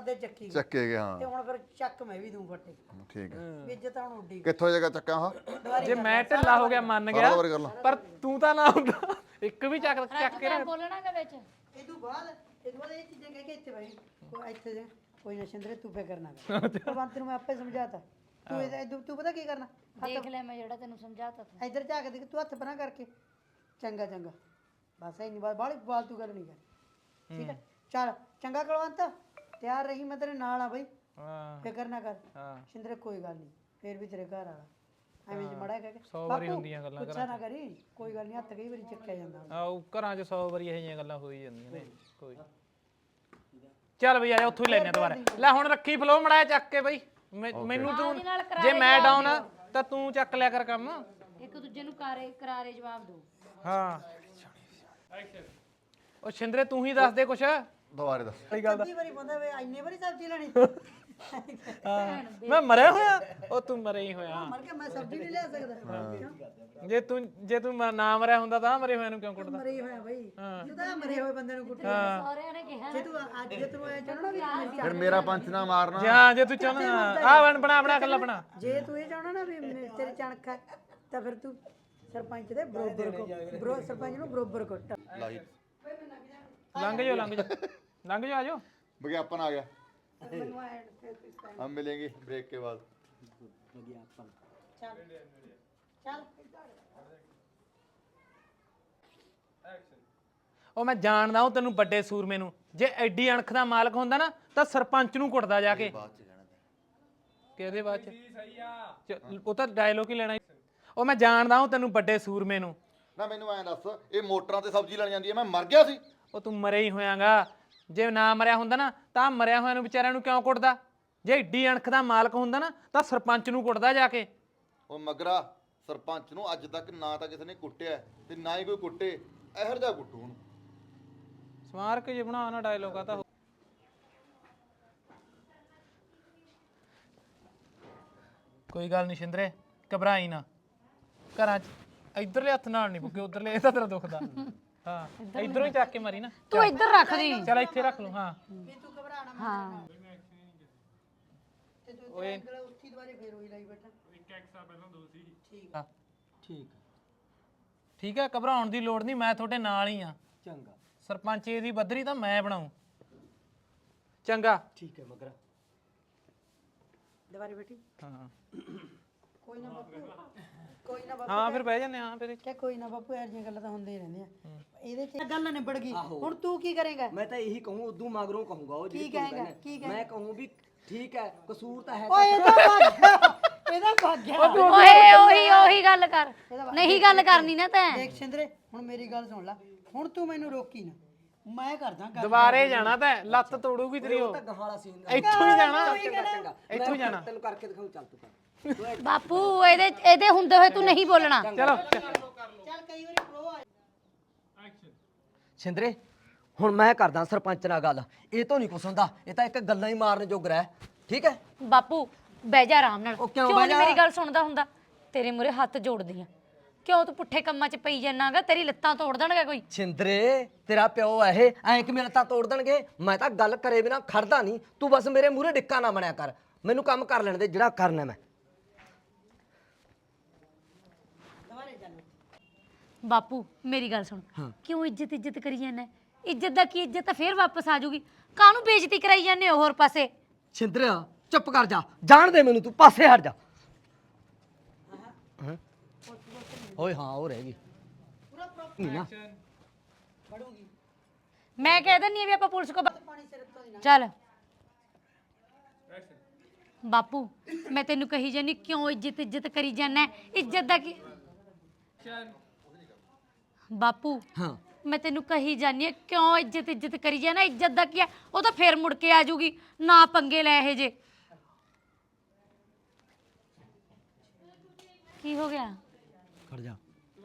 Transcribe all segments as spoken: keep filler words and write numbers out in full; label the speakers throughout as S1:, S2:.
S1: ਆਪਦੇ ਚੱਕੀ
S2: ਚੱਕੇ ਗਿਆ
S1: ਤੇ
S2: ਹਾਂ
S1: ਹੁਣ ਫਿਰ ਚੱਕ ਮੈਂ ਵੀ ਦੂੰ ਫੱਟੇ
S2: ਠੀਕ ਹੈ
S1: ਵੀ ਇੱਜ਼ਤ ਹੁਣ ਉੱਡੀ
S2: ਕਿੱਥੋਂ ਜਗ੍ਹਾ ਚੱਕਾਂ ਹਾਂ
S3: ਜੇ ਮੈਂ ਢਿੱਲਾ ਹੋ ਗਿਆ ਮੰਨ ਗਿਆ
S2: ਸਾਰਾ ਵਾਰੀ ਕਰ ਲਾ
S3: ਪਰ ਤੂੰ ਤਾਂ ਨਾ ਹੁੰਦਾ ਇੱਕ ਵੀ ਚੱਕ ਚੱਕ ਕੇ
S4: ਮੈਂ ਬੋਲਣਾਗਾ ਵਿੱਚ
S1: ਇਹ ਤੋਂ ਬਾਅਦ ਇਹ ਤੋਂ ਬਾਅਦ ਇਹ ਚੀਜ਼ਾਂ ਕਹਿ ਕੇ ਇੱਥੇ ਬਈ ਕੋਈ ਇੱਥੇ ਜੇ ਕੋਈ ਨਾ ਸ਼ਿੰਦਰੇ ਤੂੰ ਫਿਕਰ ਨਾ ਕਰ ਭਗਵੰਤ ਨੂੰ ਮੈਂ ਆਪੇ ਸਮਝਾਤਾ ਤੂੰ ਇਹਦਾ ਤੂੰ- ਤੂੰ ਪਤਾ ਕੀ ਕਰਨਾ
S4: ਦੇਖ ਲੈ ਮੈਂ ਜਿਹੜਾ ਤੈਨੂੰ ਸਮਝਾਤਾ ਤਾ
S1: ਇੱਧਰ ਝਾਕ ਦੇ ਤੂੰ ਹੱਥ ਪਰਾਂ ਕਰਕੇ ਚੰਗਾ ਚੰਗਾ ਬਸ ਇੰਨੀ ਬਾਤ ਬਾਹਲੀ ਫਾਲਤੂ ਗੱਲ ਨਹੀਂ ਕਰ ਠੀਕ ਹੈ ਚੱਲ ਚੰਗਾ ਕੁਲਵੰਤ ਤਿਆਰ ਰਹੀ ਮੈਂ ਤੇਰੇ ਨਾਲ ਆ ਬਈ
S3: ਹਾਂ
S1: ਫਿਕਰ ਨਾ ਕਰ
S3: ਹਾਂ
S1: ਸ਼ਿੰਦਰੇ ਕੋਈ ਗੱਲ ਨਹੀਂ ਫੇਰ ਵੀ ਤੇਰੇ ਘਰ ਵਾਲਾ ਐਵੇਂ ਚ ਮੜਾ ਕਹਿ ਕੇ
S3: ਸੌ ਵਾਰੀ ਹੁੰਦੀਆਂ ਗੱਲਾਂ
S1: ਗੁੱਸਾ ਨਾ ਕਰੀ ਕੋਈ ਗੱਲ ਨਹੀਂ ਹੱਥ ਕਈ ਵਾਰੀ ਚੱਕਿਆ ਜਾਂਦਾ
S3: ਆਹ ਘਰਾਂ 'ਚ ਸੌ ਵਾਰੀ ਇਹੋ ਜਿਹੀਆਂ ਗੱਲਾਂ ਹੋਈ ਜਾਂਦੀਆਂ ਨੇ ਕੋਈ ਚੱਲ ਬਈ ਆ ਜਾ ਉੱਥੋਂ ਹੀ ਲੈਣੇ ਦੁਬਾਰਾ ਲੈ ਹੁਣ ਰੱਖੀ ਫਲੋ ਮੜਾਇਆ ਚੱਕ ਕੇ ਬਈ ਮੈਂ- ਮੈਨੂੰ ਤੂੰ
S4: ਨਾਲ
S3: ਜੇ ਮੈਂ ਡਾਊਨ ਆ ਤਾਂ ਤੂੰ ਚੱਕ ਲਿਆ ਕਰ ਕੰਮ
S4: ਇੱਕ ਦੂਜੇ ਨੂੰ ਕਾਰੇ ਕਰਾਰੇ ਜਵਾਬ ਦਿਓ
S3: ਹਾਂ ਉਹ ਸ਼ਿੰਦਰੇ ਤੂੰ ਹੀ ਦੱਸ ਦੇ ਕੁਛ
S2: ਦੁਬਾਰੇ ਦੱਸ
S3: ਸਹੀ ਗੱਲ ਦਾ
S1: ਕਈ ਵਾਰੀ ਬੰਦਾ ਵੇ ਇੰਨੇ ਵਾਰੀ ਸਬਜ਼ੀ ਲੈਣੀ
S3: ਹਾਂ ਮੈਂ ਮਰਿਆ ਹੋਇਆ ਉਹ ਤੂੰ ਮਰਿਆ ਹੀ ਹੋਇਆ
S1: ਮਰ ਕੇ ਮੈਂ ਸਬਜ਼ੀ ਨਹੀਂ ਲੈ ਸਕਦਾ ਕਿਉਂ
S3: ਜੇ ਤੂੰ ਜੇ ਤੂੰ ਮ- ਨਾ ਮਰਿਆ ਹੁੰਦਾ ਤਾਂ ਮਰੇ ਹੋਏ ਨੂੰ ਕਿਉਂ ਕੁੱਟਦਾ
S1: ਮਰੇ ਹੋਇਆ ਬਈ ਤੂੰ ਤਾਂ ਮਰੇ ਹੋਏ ਬੰਦੇ ਨੂੰ ਕੁੱਟ
S4: ਸਹੁਰਿਆਂ ਨੇ ਕਿਹਾ
S1: ਜੇ ਤੂੰ ਅੱਜ ਜੇ ਤੂੰ ਇਹ ਚਾਹਣਾ ਵੀ ਮੇਰੀ
S2: ਫਿਰ ਮੇਰਾ ਪੰਚ ਨਾ ਮਾਰਨਾ
S3: ਜਾਂ ਜੇ ਤੂੰ ਚਾਹਣਾ ਆ ਬਣ ਬਣਾ ਬਣਾ ਕੱਲਾ ਬਣਾ
S1: ਜੇ ਤੂੰ ਇਹ ਚਾਹਣਾ ਨਾ ਵੀ ਮੇ- ਤੇਰੇ ਚਣਕ ਹੈ ਤਾਂ ਫਿਰ ਤੂੰ ਸਰਪੰਚ ਦੇ ਬਰੋਬਰ ਕੋ ਬਰੋ ਸਰਪੰਚ ਨੂੰ ਬਰੋਬਰ ਕੁੱਟ
S2: ਲਾਹੀ
S3: ਲੰਘ ਜਾਓ ਲੰਘ ਜਾਓ ਲੰਘ ਜਾਓ ਆ ਜਾਓ
S2: विज्ञापन आ गया
S1: ਮੈਨੂੰ ਐ ਫਿਰ ਤੂੰ ਇਸ time
S2: हम मिलेंगे ब्रेक के बाद
S1: ਚੱਲ ਚੱਲ
S3: ਉਹ ਮੈਂ ਜਾਣਦਾ ਹਾਂ ਤੈਨੂੰ ਵੱਡੇ ਸੂਰਮੇ ਨੂੰ ਜੇ ਐਡੀ ਅਣਖ ਦਾ ਮਾਲਕ ਹੁੰਦਾ ਨਾ ਤਾਂ ਸਰਪੰਚ ਨੂੰ ਕੁੱਟਦਾ ਜਾ ਕੇ
S2: बात से कहना था
S3: ਕਿਹਦੇ ਬਾਅਦ ਚ ਸਹੀ ਆ ਉਹ ਤਾਂ ਡਾਇਲੋਗ ਹੀ ਲੈਣਾ ਸੀ। ਉਹ ਮੈਂ ਜਾਣਦਾ ਹਾਂ ਤੈਨੂੰ ਵੱਡੇ ਸੂਰਮੇ ਨੂੰ
S2: ਨਾ ਮੈਨੂੰ ਐਂ ਦੱਸ ਇਹ ਮੋਟਰਾਂ ਤੇ ਸਬਜ਼ੀ ਲੈਣ ਜਾਂਦੀ ਹੈ ਮੈਂ ਮਰ ਗਿਆ ਸੀ
S3: ਉਹ ਤੂੰ ਮਰਿਆ ਹੀ ਹੋਇਆਗਾ ਜੇ ਨਾ ਮਰਿਆ ਹੁੰਦਾ ਨਾ ਤਾਂ ਮਰਿਆ ਹੋਇਆਂ ਨੂੰ ਵਿਚਾਰਿਆਂ ਨੂੰ ਕਿਉਂ ਕੁੱਟਦਾ ਜੇ ਏਡੀ ਅਣਖ ਦਾ ਮਾਲਕ ਹੁੰਦਾ ਨਾ ਤਾਂ ਸਰਪੰਚ ਨੂੰ ਕੁੱਟਦਾ ਜਾ ਕੇ
S2: ਉਹ ਮਗਰਾ ਸਰਪੰਚ ਨੂੰ ਅੱਜ ਤੱਕ ਨਾ ਤਾਂ ਕਿਸੇ ਨੇ ਕੁੱਟਿਆ ਤੇ ਨਾ ਹੀ ਕੋਈ ਕੁੱਟੇ ਇਹੋ ਜਿਹਾ ਕੁੱਟੂ ਹੁਣ
S3: ਸਮਾਰਕ ਜੇ ਬਣਾ ਨਾ ਡਾਇਲੋਗ ਆ ਤਾਂ ਕੋਈ ਗੱਲ ਨਹੀਂ ਸ਼ਿੰਦਰੇ ਘਬਰਾਈ ਨਾ ਘਰਾਂ 'ਚ ਇਧਰਲੇ ਹੱਥ ਨਾਲ ਨਹੀਂ ਪੁੱਗੇ ਉਧਰਲੇ ਇਹ ਤਾਂ ਤੇਰਾ ਦੁਖਦਾ ਹਾਂ ਇਧਰੋਂ ਹੀ ਚੱਕ ਕੇ ਮਾਰੀ ਨਾ
S4: ਤੂੰ ਇੱਧਰ ਰੱਖ ਦੀ
S3: ਚਲ ਇੱਥੇ ਰੱਖ ਲੂ ਹਾਂ
S1: ਵੀ ਤੂੰ ਘਬਰਾ ਨਾ
S4: ਹਾਂ
S1: ਤੇ ਤੂੰ ਓਏ ਉੱਥੀ ਦੁਬਾਰੇ ਫੇਰ ਹੋਈ ਲਾਈ ਬੈਠਾ
S3: ਹਾਂ। ਠੀਕ ਹੈ ਘਬਰਾਉਣ ਦੀ ਲੋੜ ਨਹੀਂ ਮੈਂ ਤੁਹਾਡੇ ਨਾਲ ਹੀ ਆ
S5: ਚੰਗਾ
S3: ਸਰਪੰਚ ਦੀ ਬੱਦਰੀ ਤਾਂ ਮੈਂ ਬਣਾਉ ਚੰਗਾ
S5: ਠੀਕ ਹੈ ਮਗਰਾ
S1: ਦੁਬਾਰੇ ਬੈਠੀ
S3: ਹਾਂ
S1: ਕੋਈ ਨਾ ਬਾਪੂ ਕੋਈ ਨਾ ਬਾਪੂ
S3: ਹਾਂ ਫਿਰ ਬਹਿ ਜਾਂਦੇ ਹਾਂ ਫਿਰ
S1: ਕਿ ਕੋਈ ਨਾ ਬਾਪੂ ਇਹੋ ਜਿਹੀਆਂ ਗੱਲਾਂ ਤਾਂ ਹੁੰਦੀਆਂ ਹੀ ਰਹਿੰਦੀਆਂ ਇਹਦੇ ਚ ਗੱਲ ਨਿਬੜ ਗਈ ਹੁਣ ਤੂੰ ਕੀ ਕਰੇਗਾ
S5: ਮੈਂ ਤਾਂ ਇਹੀ ਕਹੂੰ ਉਦੋਂ ਮਗਰੋਂ ਕਹੂੰਗਾ ਉਹ
S1: ਕੀ
S5: ਜਿਹੜੀ ਤੂੰ
S1: ਕਹੇਗਾ
S5: ਕਹਿੰਦਾ।
S1: ਕੀ
S5: ਮੈਂ ਕਹੂੰ ਵੀ ਠੀਕ ਹੈ ਕਸੂਰ ਤਾਂ ਹੈ
S1: ਓਏ ਇਹਦਾ ਭਾਗਿਆ ਇਹਦਾ ਭਾਗਿਆ
S4: ਓਏ ਉਹੀ ਉਹੀ ਗੱਲ ਕਰ ਨਹੀਂ ਗੱਲ ਕਰਨੀ ਨਾ ਤੈਂ
S1: ਦੇਖ ਸਿੰਦਰੇ ਹੁਣ ਮੇਰੀ ਗੱਲ ਸੁਣ ਲੈ ਹੁਣ ਤੂੰ ਮੈਨੂੰ ਰੋਕੀ ਨਾ ਮੈਂ ਕਰਦਾ ਗੱਲ
S3: ਦੁਬਾਰੇ ਜਾਣਾ ਤਾਂ ਲੱਤ ਤੋੜੂਗੀ ਤੇਰੀ ਉਹ
S5: ਤਾਂ ਗਾਲਾਂ ਸੀ
S3: ਇੱਥੋਂ ਹੀ ਜਾਣਾ
S5: ਚੰਗਾ ਚੰਗਾ
S3: ਇੱਥੋਂ ਹੀ ਜਾਣਾ
S5: ਤੈਨੂੰ ਕਰਕੇ ਦਿਖਾਉਂ ਚੱਲ ਤੂੰ ਕਰ
S4: ਬਾਪੂ ਇਹਦੇ ਇਹਦੇ ਹੁੰਦੇ ਹੋਏ ਤੂੰ ਨਹੀਂ ਬੋਲਣਾ
S3: ਚਲੋ
S1: ਚੱਲ ਕਈ ਵਾਰੀ ਪ੍ਰੋ ਆ
S5: ਸਿੰਦਰੇ ਹੁਣ ਮੈਂ ਕਰਦਾ ਸਰਪੰਚ ਨਾਲ ਗੱਲ ਇਹ ਤੋਂ ਨਹੀਂ ਕੁਛ ਹੁੰਦਾ ਇਹ ਤਾਂ ਇੱਕ ਗੱਲਾਂ ਹੀ ਮਾਰਨ ਜੋਗਰਾ ਹੈ ਠੀਕ ਹੈ
S4: ਬਾਪੂ ਬਹਿ ਜਾ ਆਰਾਮ ਨਾਲ
S5: ਉਹ ਕਿਉਂ
S4: ਕਿਉਂ
S5: ਬਹਿ
S4: ਨਹੀਂ
S5: ਜਾ?
S4: ਮੇਰੀ ਗੱਲ ਸੁਣਦਾ ਹੁੰਦਾ ਤੇਰੇ ਮੂਹਰੇ ਹੱਥ ਜੋੜਦੀ ਆ ਕਿਉਂ ਤੂੰ ਪੁੱਠੇ ਕੰਮਾਂ 'ਚ ਪਈ ਜਾਣਾਗਾ ਤੇਰੀ ਲੱਤਾਂ ਤੋੜ ਦੇਣਗੇ ਕੋਈ
S5: ਸਿੰਦਰੇ ਤੇਰਾ ਪਿਓ ਹੈ ਇਹ ਐਂ ਕਿ ਮੇਰੇ ਤਾਂ ਤੋੜ ਦੇਣਗੇ ਮੈਂ ਤਾਂ ਗੱਲ ਕਰੇ ਬਿਨਾ ਖੜਦਾ ਨਹੀਂ ਤੂੰ ਬਸ ਮੇਰੇ ਮੂਹਰੇ ਡਿੱਕਾ ਨਾ ਬਣਿਆ ਕਰ ਮੈਨੂੰ ਕੰਮ ਕਰ ਲੈਣ ਦੇ ਜਿਹੜਾ ਕਰਨਾ ਮੈਂ
S4: ਬਾਪੂ ਮੇਰੀ ਗੱਲ ਸੁਣ ਕਿਉਂ ਇੱਜ਼ਤ ਇੱਜ਼ਤ ਕਰੀ ਜਾਂਦਾ ਇੱਜ਼ਤ ਦਾ ਕੀ ਇੱਜ਼ਤ ਤਾਂ ਫੇਰ ਵਾਪਸ ਆ ਜਾਊਗੀ ਕਾਹਨੂੰ ਬੇਇੱਜ਼ਤੀ ਕਰਾਈ ਜਾਂਦੇ ਹੋ ਹੋਰ ਪਾਸੇ
S5: ਸਿੰਦਰਿਆ ਚੁੱਪ ਕਰ ਜਾ ਜਾਣ ਦੇ ਮੈਨੂੰ ਤੂੰ ਪਾਸੇ ਹਟ ਜਾ ਹੈਂ? ਓਏ ਹਾਂ ਉਹ ਰਹਿ ਗਈ ਨਹੀਂ ਨਾ
S4: ਮੈਂ ਕਹਿ ਦਿੰਨੀ ਆ ਵੀ ਆਪਾਂ ਪੁਲਿਸ ਕੋ ਚੱਲ ਬਾਪੂ ਮੈਂ ਤੈਨੂੰ ਕਹੀ ਜਾਨੀ ਕਿਉਂ ਇੱਜ਼ਤ ਇੱਜ਼ਤ ਕਰੀ ਜਾਂਦਾ ਇੱਜ਼ਤ ਦਾ ਕੀ ਬਾਪੂ
S5: ਹਾਂ
S4: ਮੈਂ ਤੈਨੂੰ ਕਹੀ ਜਾਨੀ ਆ ਕਿਉਂ ਇੱਜ਼ਤ ਇੱਜ਼ਤ ਕਰੀ ਜਾਣਾ ਇੱਜ਼ਤ ਦਾ ਕੀ ਆ ਉਹ ਤਾਂ ਫੇਰ ਮੁੜ ਕੇ ਆ ਜੂਗੀ ਨਾ ਪੰਗੇ ਲੈ ਇਹ ਜੇ ਕੀ ਹੋ ਗਿਆ
S5: ਖੜ ਜਾ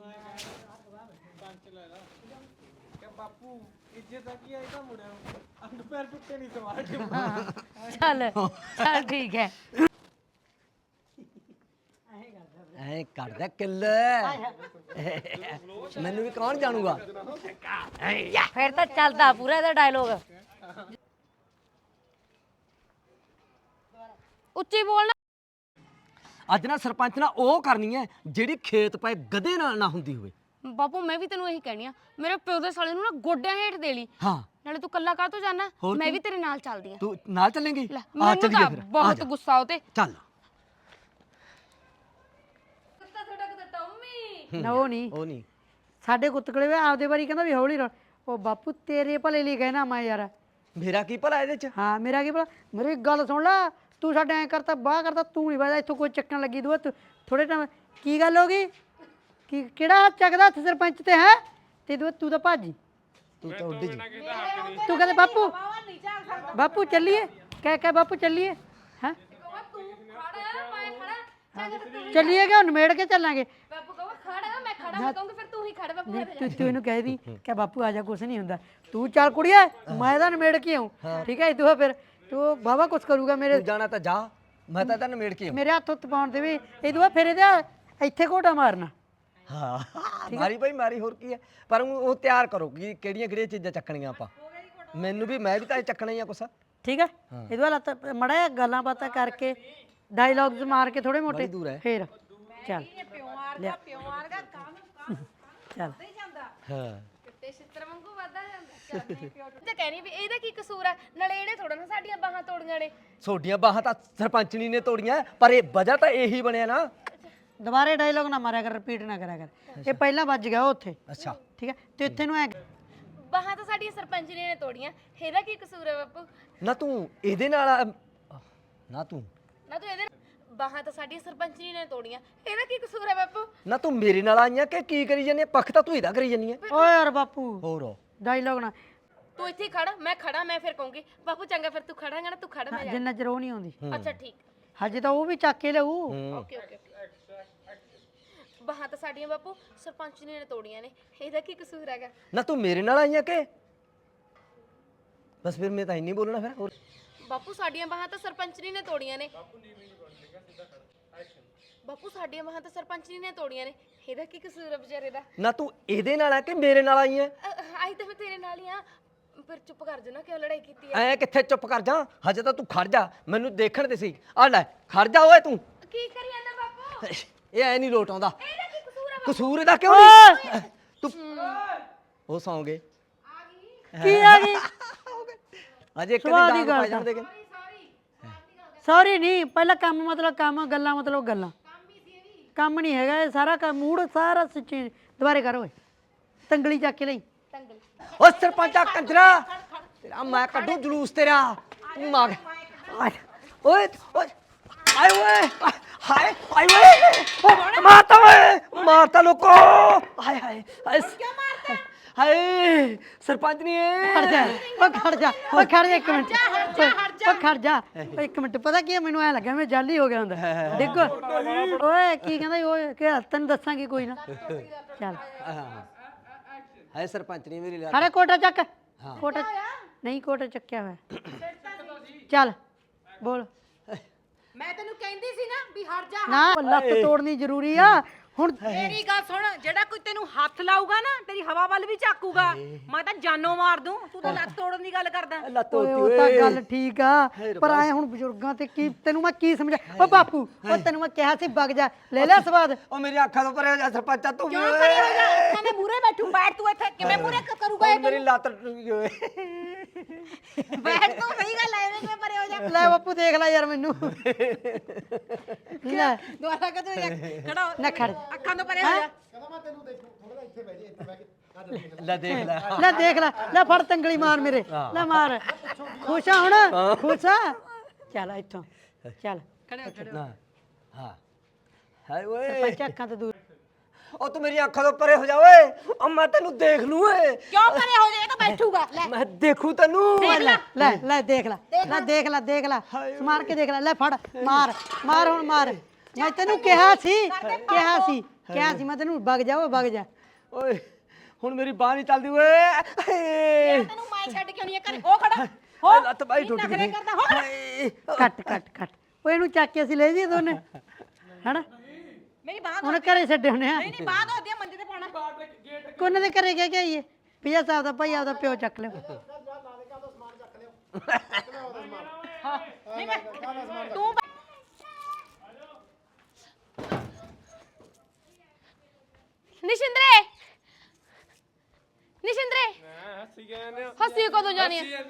S3: ਬਾਪੂ ਇੱਜ਼ਤ ਆ ਕੀ ਆ ਇਹ ਤਾਂ ਮੁੜਿਆ ਅੰਡ ਪੈਰ ਟੁੱਟੇ ਨਹੀਂ ਸਵਾਰ
S4: ਚੱਲ ਚੱਲ ਠੀਕ ਹੈ
S5: ਐ ਕਰਦਾ ਕਿੱਲ ਮੈਨੂੰ ਵੀ ਕੌਣ ਜਾਣੂਗਾ
S4: ਫਿਰ ਤਾਂ ਚੱਲਦਾ ਪੂਰਾ ਇਹਦਾ ਡਾਇਲੋਗ
S6: ਉੱਚੀ ਬੋਲਣਾ।
S5: ਅੱਜ ਨਾ ਸਰਪੰਚ ਨਾਲ ਉਹ ਕਰਨੀ ਹੈ ਜਿਹੜੀ ਖੇਤ ਪਏ ਗਧੇ ਨਾਲ ਨਾ ਹੁੰਦੀ ਹੋਵੇ।
S6: ਬਾਪੂ ਮੈਂ ਵੀ ਤੈਨੂੰ ਇਹੀ ਕਹਿਣੀ ਆ, ਮੇਰੇ ਪਿਓ ਦੇ ਸਾਲੇ ਨੂੰ ਨਾ ਗੋਡਿਆਂ ਹੇਠ ਦੇ ਲਈ।
S5: ਹਾਂ
S6: ਨਾਲੇ ਤੂੰ ਕੱਲਾ ਕਾਹ ਤੋਂ ਜਾਣਾ,
S5: ਹੋਰ
S6: ਮੈਂ
S5: ਕੀ?
S6: ਵੀ ਤੇਰੇ ਨਾਲ ਚੱਲਦੀ ਆ।
S5: ਤੂੰ ਨਾਲ ਚੱਲੇਂਗੀ?
S6: ਲੈ
S5: ਆ
S6: ਮੈਨੂੰ
S5: ਚੱਲੀਏ
S6: ਤਾਂ
S5: ਫਿਰ, ਆ
S6: ਬਹੁਤ
S5: ਜਾ।
S6: ਗੁੱਸਾ ਉਹ ਤੇ।
S5: ਚੱਲ।
S1: ਨਾ ਉਹ ਨਹੀਂ
S5: ਉਹ ਨਹੀਂ
S1: ਸਾਡੇ ਕੁੱਤਕਲੇ ਵੇ ਆਪਦੇ ਵਾਰੀ ਕਹਿੰਦਾ ਵੀ ਹੌਲੀ ਰੋ। ਉਹ ਬਾਪੂ ਤੇਰੇ ਭਲੇ ਲਈ ਕਹਿਣਾ ਮੈਂ ਯਾਰ।
S5: ਮੇਰਾ ਕੀ ਭਲਾ ਇਹਦੇ ਚ?
S1: ਹਾਂ ਮੇਰਾ ਕੀ ਭਲਾ, ਮੇਰੀ ਗੱਲ ਸੁਣ ਲੈ, ਤੂੰ ਸਾਡੇ ਐ ਕਰਤਾ ਬਾਹ ਕਰਤਾ, ਤੂੰ ਨਹੀਂ ਵਜਦਾ ਇੱਥੋਂ ਕੋਈ ਚੱਕਣ ਲੱਗੀ ਦੂਆ ਥੋੜੇ ਟਾਈਮ। ਕੀ ਗੱਲ ਹੋ ਗਈ? ਕੀ ਕਿਹੜਾ ਹੱਥ ਚੱਕਦਾ ਹੱਥ ਸਰਪੰਚ ਤੇ ਹੈ? ਤੇ ਦੂਆ ਤੂੰ ਤਾਂ ਭਾਜੀ,
S5: ਤੂੰ ਤਾਂ ਉੱਡੀ ਜੀ।
S1: ਤੂੰ ਕਹਿੰਦੇ ਬਾਪੂ ਬਾਪੂ ਚੱਲੀਏ, ਕਹਿ ਕਹਿ ਬਾਪੂ ਚੱਲੀਏ। ਹੈ ਚੱਲੀਏ ਕਿ ਨਿਮੇੜ ਕੇ ਚੱਲਾਂਗੇ?
S6: ਬਾਪੂ ਕਹੋ ਖੜਾ, ਮੈਂ ਖੜਾ ਮੈਂ ਕਹੂੰਗੀ ਫਿਰ ਤੂੰ ਹੀ ਖੜ ਬਾਪੂ।
S1: ਨਹੀਂ, ਤੂੰ ਤੂੰ ਇਹਨੂੰ ਕਹਿ ਦੀ ਕਿ ਬਾਪੂ ਆ ਜਾ, ਕੁਛ ਨਹੀਂ ਹੁੰਦਾ, ਤੂੰ ਚੱਲ ਕੁੜੀਏ, ਮੈਂ ਤਾਂ ਨਿਮੇੜ ਕੇ ਆਉਂ। ਠੀਕ ਹੈ ਤੂੰ ਫਿਰ ਤੂੰ ਬਾਬਾ ਕੁਛ ਕਰੂਗਾ ਮੇਰੇ
S5: ਤੂੰ ਜਾਣਾ ਤਾਂ ਜਾ, ਮੈਂ ਤਾਂ ਤੈਨੂੰ ਮੇੜ ਕੇ ਆਉਂ।
S1: ਮੇਰੇ ਹੱਥ ਉੱਤ ਪਾਉਣ ਦੇ ਵੀ ਇਹ ਦੂਆ ਫਿਰ ਇਹਦਾ ਇੱਥੇ ਘੋਟਾ ਮਾਰਨਾ।
S5: ਹਾਂ ਮਾਰੀ ਭਾਈ ਮਾਰੀ, ਹੋਰ ਕੀ ਹੈ। ਪਰ ਉਹ ਉਹ ਤਿਆਰ ਕਰੋ ਕਿ ਕਿਹੜੀਆਂ ਕਿਹੜੀਆਂ ਚੀਜ਼ਾਂ ਚੱਕਣੀਆਂ ਆਪਾਂ। ਮੈਨੂੰ ਵੀ ਮੈਂ ਵੀ ਤਾਂ ਇਹ ਚੱਕਣਾ ਹੀ ਆ ਕੁਛ।
S1: ਠੀਕ ਹੈ ਇਹ ਦੂਆ ਲੱਤ ਮੜਾ ਗੱਲਾਂ ਬਾਤਾਂ ਕਰਕੇ ਡਾਇਲੌਗਸ ਮਾਰ ਕੇ ਥੋੜੇ ਮੋਟੇ
S5: ਦੂਰ ਹੈ।
S1: ਫੇਰ ਚੱਲ ਲਿਆ। ਚੱਲ
S5: ਹਾਂ
S6: ਤੇ ਛਿੱਤਰ ਵਾਂਗੂ ਵਾਦਾ ਜਾਂਦਾ ਤੇ ਕਹਿਣੀ ਵੀ ਇਹਦਾ ਕੀ ਕਸੂਰ ਆ, ਨਾਲੇ ਇਹਨੇ ਥੋੜਾ ਨਾ ਸਾਡੀਆਂ ਬਾਹਾਂ ਤੋੜੀਆਂ ਨੇ।
S5: ਛੋਟੀਆਂ ਬਾਹਾਂ ਤਾਂ ਸਰਪੰਚਣੀ ਨੇ ਤੋੜੀਆਂ, ਪਰ ਇਹ ਵਜ੍ਹਾ ਤਾਂ ਇਹੀ ਬਣਿਆ ਨਾ।
S1: ਦੁਬਾਰੇ ਡਾਇਲੌਗ ਨਾ ਮਾਰਿਆ ਕਰ, ਰਿਪੀਟ ਨਾ ਕਰਿਆ ਕਰ। ਇਹ ਪਹਿਲਾਂ ਵੱਜ ਗਿਆ ਉੱਥੇ।
S5: ਅੱਛਾ
S1: ਠੀਕ ਹੈ ਤੇ ਇੱਥੇ ਨੂੰ ਐ
S6: ਬਾਹਾਂ ਤਾਂ ਸਾਡੀਆਂ ਸਰਪੰਚਣੀ ਨੇ ਤੋੜੀਆਂ, ਇਹਦਾ ਕੀ ਕਸੂਰ ਹੈ ਬਾਪੂ?
S5: ਨਾ ਤੂੰ ਇਹਦੇ ਨਾਲ ਆ- ਨਾ ਤੂੰ
S6: ਨਾ ਤੂੰ ਇਹਦੇ ਬਾਹਾਂ ਤਾਂ ਸਾਡੀਆਂ ਸਰਪੰਚਣੀ ਨੇ ਤੋੜੀਆਂ, ਇਹਦਾ ਕੀ ਕਸੂਰ ਹੈ ਬਾਪੂ?
S5: ਨਾ ਤੂੰ ਮੇਰੇ ਨਾਲ ਆਈਆਂ ਕਿ ਕੀ ਕਰੀ ਜਾਂਦੀ ਹੈ? ਪੱਖ ਤਾਂ ਤੂੰ ਇਹਦਾ ਕਰੀ ਜਾਂਦੀ ਹੈ।
S1: ਓਏ ਯਾਰ ਬਾਪੂ
S5: ਹੋਰ
S1: ਡਾਇਲੌਗ ਨਾ
S6: ਤੂੰ ਇੱਥੇ ਹੀ ਖੜ, ਮੈਂ ਖੜਾ, ਮੈਂ ਫਿਰ ਕਹੂੰਗੀ ਬਾਪੂ ਚੰਗਾ ਫਿਰ ਤੂੰ ਖੜਾਂਗਾ ਨਾ, ਤੂੰ ਖੜ ਮੈਂ ਜਾ।
S1: ਜਿੰਨਾ ਚਿਰ ਉਹ ਨਹੀਂ ਆਉਂਦੀ
S6: ਅੱਛਾ ਠੀਕ,
S1: ਹਜੇ ਤਾਂ ਉਹ ਵੀ ਚੱਕ ਕੇ ਲਿਆਊ।
S6: Okay okay. ਬਾਹਾਂ ਤਾਂ ਸਾਡੀਆਂ ਬਾਪੂ ਸਰਪੰਚਣੀ ਨੇ ਤੋੜੀਆਂ ਨੇ, ਇਹਦਾ ਕੀ ਕਸੂਰ ਹੈਗਾ?
S5: ਨਾ ਤੂੰ ਮੇਰੇ ਨਾਲ ਆਈਆਂ ਕਿ ਬਸ ਫਿਰ ਮੈਂ ਤਾਂ ਇੰਨੀ ਬੋਲਣਾ ਫਿਰ। ਹੋਰ
S6: ਬਾਪੂ ਸਾਡੀਆਂ ਬਾਹਾਂ ਤਾਂ ਸਰਪੰਚਣੀ ਨੇ ਤੋੜੀਆਂ ਨੇ। ਬਾਪੂ ਸਾਡੀਆਂ ਬਾਹਾਂ ਤਾਂ ਸਰਪੰਚਣੀ ਨੇ ਤੋੜੀਆਂ ਨੇ, ਇਹਦਾ ਕੀ ਕਸੂਰ ਹੈ ਵਿਚਾਰੇ ਦਾ?
S5: ਨਾ ਤੂੰ ਇਹਦੇ ਨਾਲ ਆ ਕਿ ਮੇਰੇ ਨਾਲ ਆਈਆਂ?
S6: ਆਈ ਤਾਂ ਮੈਂ ਤੇਰੇ ਨਾਲ ਹੀ ਆ, ਫਿਰ ਚੁੱਪ ਕਰ ਜਾ ਨਾ, ਕਿਉਂ ਲੜਾਈ ਕੀਤੀ ਹੈ?
S5: ਐ ਕਿੱਥੇ ਚੁੱਪ ਕਰ ਜਾ, ਹਜੇ ਤਾਂ ਤੂੰ ਖੜ ਜਾ, ਮੈਨੂੰ ਦੇਖਣ ਦੇ ਸੀ। ਆ ਲੈ ਖੜ ਜਾ ਓਏ ਤੂੰ।
S6: ਕੀ ਕਰੀ ਜਾਂਦਾ ਬਾਪੂ?
S5: ਇਹ ਐ ਨਹੀਂ ਲੋਟ ਆਉਂਦਾ।
S6: ਇਹਦਾ ਕੀ ਕਸੂਰ ਹੈ?
S5: ਕਸੂਰ ਇਹਦਾ ਕਿਉਂ ਨਹੀਂ? ਤੂੰ ਉਹ ਸੌਂ ਗਏ।
S1: ਕੀ ਆ ਗਈ?
S5: ਅਜੇ ਇੱਕ
S1: ਸਵਾਦ
S5: ਦਿਨ
S1: ਦੀ
S5: ਡਾਂਗ
S1: ਗੱਲ
S5: ਪਾ ਜਾਂਦੇ ਕਿ
S1: ਸੌਰੀ ਨਹੀਂ, ਪਹਿਲਾਂ ਕੰਮ ਮਤਲਬ ਕੰਮ, ਗੱਲਾਂ ਮਤਲਬ ਗੱਲਾਂ। ਕੰਮ ਨਹੀਂ ਹੈਗਾ ਇਹ ਸਾਰਾ ਕੰਮ, ਮੂਡ ਸਾਰਾ ਸੱਚੀ। ਦੁਬਾਰੇ ਕਰ ਓਏ, ਤੰਗਲੀ ਚੱਕ ਕੇ ਲਈ।
S5: ਓ ਸਰਪੰਚਾ ਕੰਜਰਾ, ਤੇਰਾ ਮੈਂ ਕੱਢੂ ਜਲੂਸ ਤੇਰਾ। ਤੂੰ ਮਾਰ ਓਏ ਓਏ ਆਏ ਓਏ ਹਾਏ ਆਏ ਓਏ ਓ ਮਾਰਤਾ ਓਏ, ਮਾਰਤਾ ਲੋਕੋ। ਹਾਏ ਹਾਏ ਹਾਏ ਕਿਉਂ ਮਾਰਤਾ? ਹਾਏ ਸਰਪੰਚ ਨਹੀਂ
S1: ਖੜ ਜਾ ਓ ਖੜ ਜਾ ਓ ਖੜ ਜਾ ਇੱਕ ਮਿੰਟ ਓ ਖੜ ਜਾ ਓ ਇੱਕ ਮਿੰਟ। ਪਤਾ ਕੀ ਹੈ, ਮੈਨੂੰ ਐ ਲੱਗਾ ਮੈਂ ਜਾਲੀ ਹੋ ਗਿਆ ਹੁੰਦਾ। ਦੇਖੋ ਓਏ ਕੀ ਕਹਿੰਦਾ ਸੀ, ਓਏ ਕਿ ਤੈਨੂੰ ਦੱਸਾਂਗੀ ਕੋਈ ਨਾ। ਚੱਲ
S5: ਹਾਏ ਸਰਪੰਚ ਨਹੀਂ ਮੇਰੀ
S1: ਅਰੇ ਕੋਟਾ ਚੱਕ, ਕੋਟਾ ਨਹੀਂ, ਕੋਟਾ ਚੱਕਿਆ ਹੋਇਆ। ਚੱਲ ਬੋਲ।
S7: ਮੈਂ ਤੈਨੂੰ ਕਹਿੰਦੀ ਸੀ ਨਾ ਵੀ ਹਟ ਜਾ।
S1: ਨਾ ਲੱਤ ਤੋੜਨੀ ਜ਼ਰੂਰੀ ਆ ਹੁਣ।
S7: ਮੇਰੀ ਗੱਲ ਸੁਣ, ਜਿਹੜਾ ਕੋਈ ਤੈਨੂੰ ਹੱਥ ਲਾਊਗਾ ਨਾ ਤੇਰੀ ਹਵਾ ਵੱਲ ਵੀ ਝਾਕੂਗਾ, ਮੈਂ ਤਾਂ ਜਾਨੋਂ ਮਾਰ ਦੂੰ। ਤੂੰ ਤਾਂ ਲੱਤ ਤੋੜਨ ਦੀ ਗੱਲ ਕਰਦਾ।
S5: ਲੱਤ
S1: ਓਏ ਉਹ ਤਾਂ ਗੱਲ ਠੀਕ ਆ, ਪਰ ਆਏ ਹੁਣ ਬਜ਼ੁਰਗਾਂ ਤੇ ਕੀ ਤੈਨੂੰ ਮੈਂ ਕੀ ਸਮਝਾ। ਓ ਬਾਪੂ ਓ ਤੈਨੂੰ ਮੈਂ ਕਿਹਾ ਸੀ ਵਗ ਜਾ, ਲੈ ਲੈ ਸਵਾਦ।
S5: ਓ ਮੇਰੀ ਅੱਖਾਂ ਤੋਂ ਪਰੇ ਹੋ ਜਾ ਸਰਪੰਚਾ ਤੂੰ।
S7: ਕਿਉਂ ਪਰੇ ਹੋ ਜਾ? ਅੱਖਾਂ ਦੇ ਮੂਹਰੇ ਬੈਠੂ, ਬੈਠ ਤੂੰ ਇੱਥੇ। ਕਿਵੇਂ ਮੂਹਰੇ ਕਰੂਗਾ
S5: ਓ
S7: ਇਹ?
S5: ਮੇਰੀ ਲੱਤ ਟੁੱਟ ਗਈ ਓਏ।
S7: ਬੈਠ ਤੂੰ, ਸਹੀ ਗੱਲ ਐ, ਐਵੇਂ ਕਿਵੇਂ ਪਰੇ ਹੋ ਜਾ?
S1: ਲੈ ਬਾਪੂ ਦੇਖ ਲੈ ਯਾਰ ਮੈਨੂੰ। ਲੈ
S7: ਦੁਆਰਾ ਕਦੋਂ ਖੜਾ ਹੋ,
S1: ਨਾ ਖੜ
S7: ਅੱਖਾਂ ਤੋਂ ਪਰੇ ਹੋ ਜਾ।
S5: ਲੈ ਦੇਖ ਲੈ।
S1: ਲੈ ਦੇਖ ਲੈ, ਲੈ ਫੜ ਤੰਗਲੀ ਮਾਰ ਮੇਰੇ, ਲੈ ਮਾਰ। ਖੁਸ਼ ਆ ਹੁਣ? ਖੁਸ਼ ਆ? ਚੱਲ ਇੱਥੋਂ ਚੱਲ।
S5: ਨਾ ਹਾਂ ਹਾਏ ਓਏ
S1: ਸਰਪੰਚ ਅੱਖਾਂ ਤੋਂ ਦੂਰ।
S5: ਓ ਤੂੰ ਮੇਰੀ ਅੱਖਾਂ ਤੋਂ ਪਰੇ ਹੋ ਜਾ ਓਏ। ਓ ਮੈਂ ਤੈਨੂੰ ਦੇਖ ਲੂੰ ਓਏ।
S7: ਕਿਉਂ ਪਰੇ ਹੋ ਜਾ? ਇਹ ਤਾਂ ਬੈਠੂਗਾ। ਲੈ
S5: ਮੈਂ ਦੇਖੂ ਤੈਨੂੰ।
S1: ਲੈ ਲੈ ਲੈ ਦੇਖ ਲੈ, ਲੈ ਦੇਖ ਲੈ, ਦੇਖ ਲੈ ਮਾਰ ਕੇ ਦੇਖ ਲੈ। ਲੈ ਫੜ ਮਾਰ, ਮਾਰ ਹੁਣ ਮਾਰ। ਮੈਂ ਤੈਨੂੰ ਕਿਹਾ ਸੀ, ਕਿਹਾ ਸੀ, ਕਿਹਾ ਸੀ ਮੈਂ ਤੈਨੂੰ ਵਗ ਜਾ ਓਏ ਵਗ ਜਾ।
S5: ਓਏ ਹੁਣ ਮੇਰੀ ਬਾਹ ਨਹੀਂ ਚੱਲਦੀ ਓਏ। ਹਾਏ
S7: ਤੈਨੂੰ ਮੈਂ ਛੱਡ ਕਿਉਂ ਨਹੀਂ ਘਰੇ? ਹੋ ਖੜਾ
S5: ਹਾਏ ਲੱਤ ਬਾਈ ਟੁੱਟ
S7: ਨਖਰੇ
S5: ਗਈ।
S7: ਕਰਦਾ ਹੋ।
S5: ਹਾਏ
S1: ਕੱਟ ਕੱਟ ਕੱਟ ਓਏ ਇਹਨੂੰ ਚੱਕ ਕੇ ਅਸੀਂ ਲੈ ਜੀ ਦੋਨੇ, ਹੈਨਾ?
S7: ਮੇਰੀ ਬਾਹ
S1: ਹੁਣ ਘਰੇ ਛੱਡੇ ਹੁੰਨੇ ਆ।
S7: ਨਹੀਂ, ਬਾਹ ਦੋ ਦਿਆ ਮੰਜੇ ਤੇ ਪਾਉਣਾ।
S1: ਕੋਨੇ ਦੇ ਘਰੇ ਗਿਆ ਕਿ ਆਈਏ ਪਿਆ ਸਾਹਿਬ ਦਾ ਭਾਈ ਆਪਦਾ ਪਿਓ ਚੱਕ ਲਿਓ।
S7: ਨਹੀਂ ਮੈਂ ਤੂੰ
S6: ਨਿਸ਼ਿੰਦਰੇ ਨਿਸ਼ਿੰਦਰੇ ਹੱਸੀ ਕਹਿੰਦੇ ਹੱਸੀ ਕਦੋਂ ਜਾਣੀ ਆ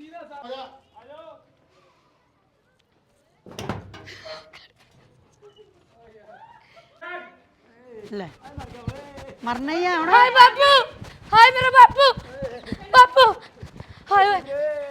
S1: ਲੈ ਮਰਨਾ ਹੀ ਆ ਹੁਣ।
S6: ਹਾਏ ਬਾਪੂ ਹਾਏ ਮੇਰਾ ਬਾਪੂ ਬਾਪੂ ਹਾਏ ਓਏ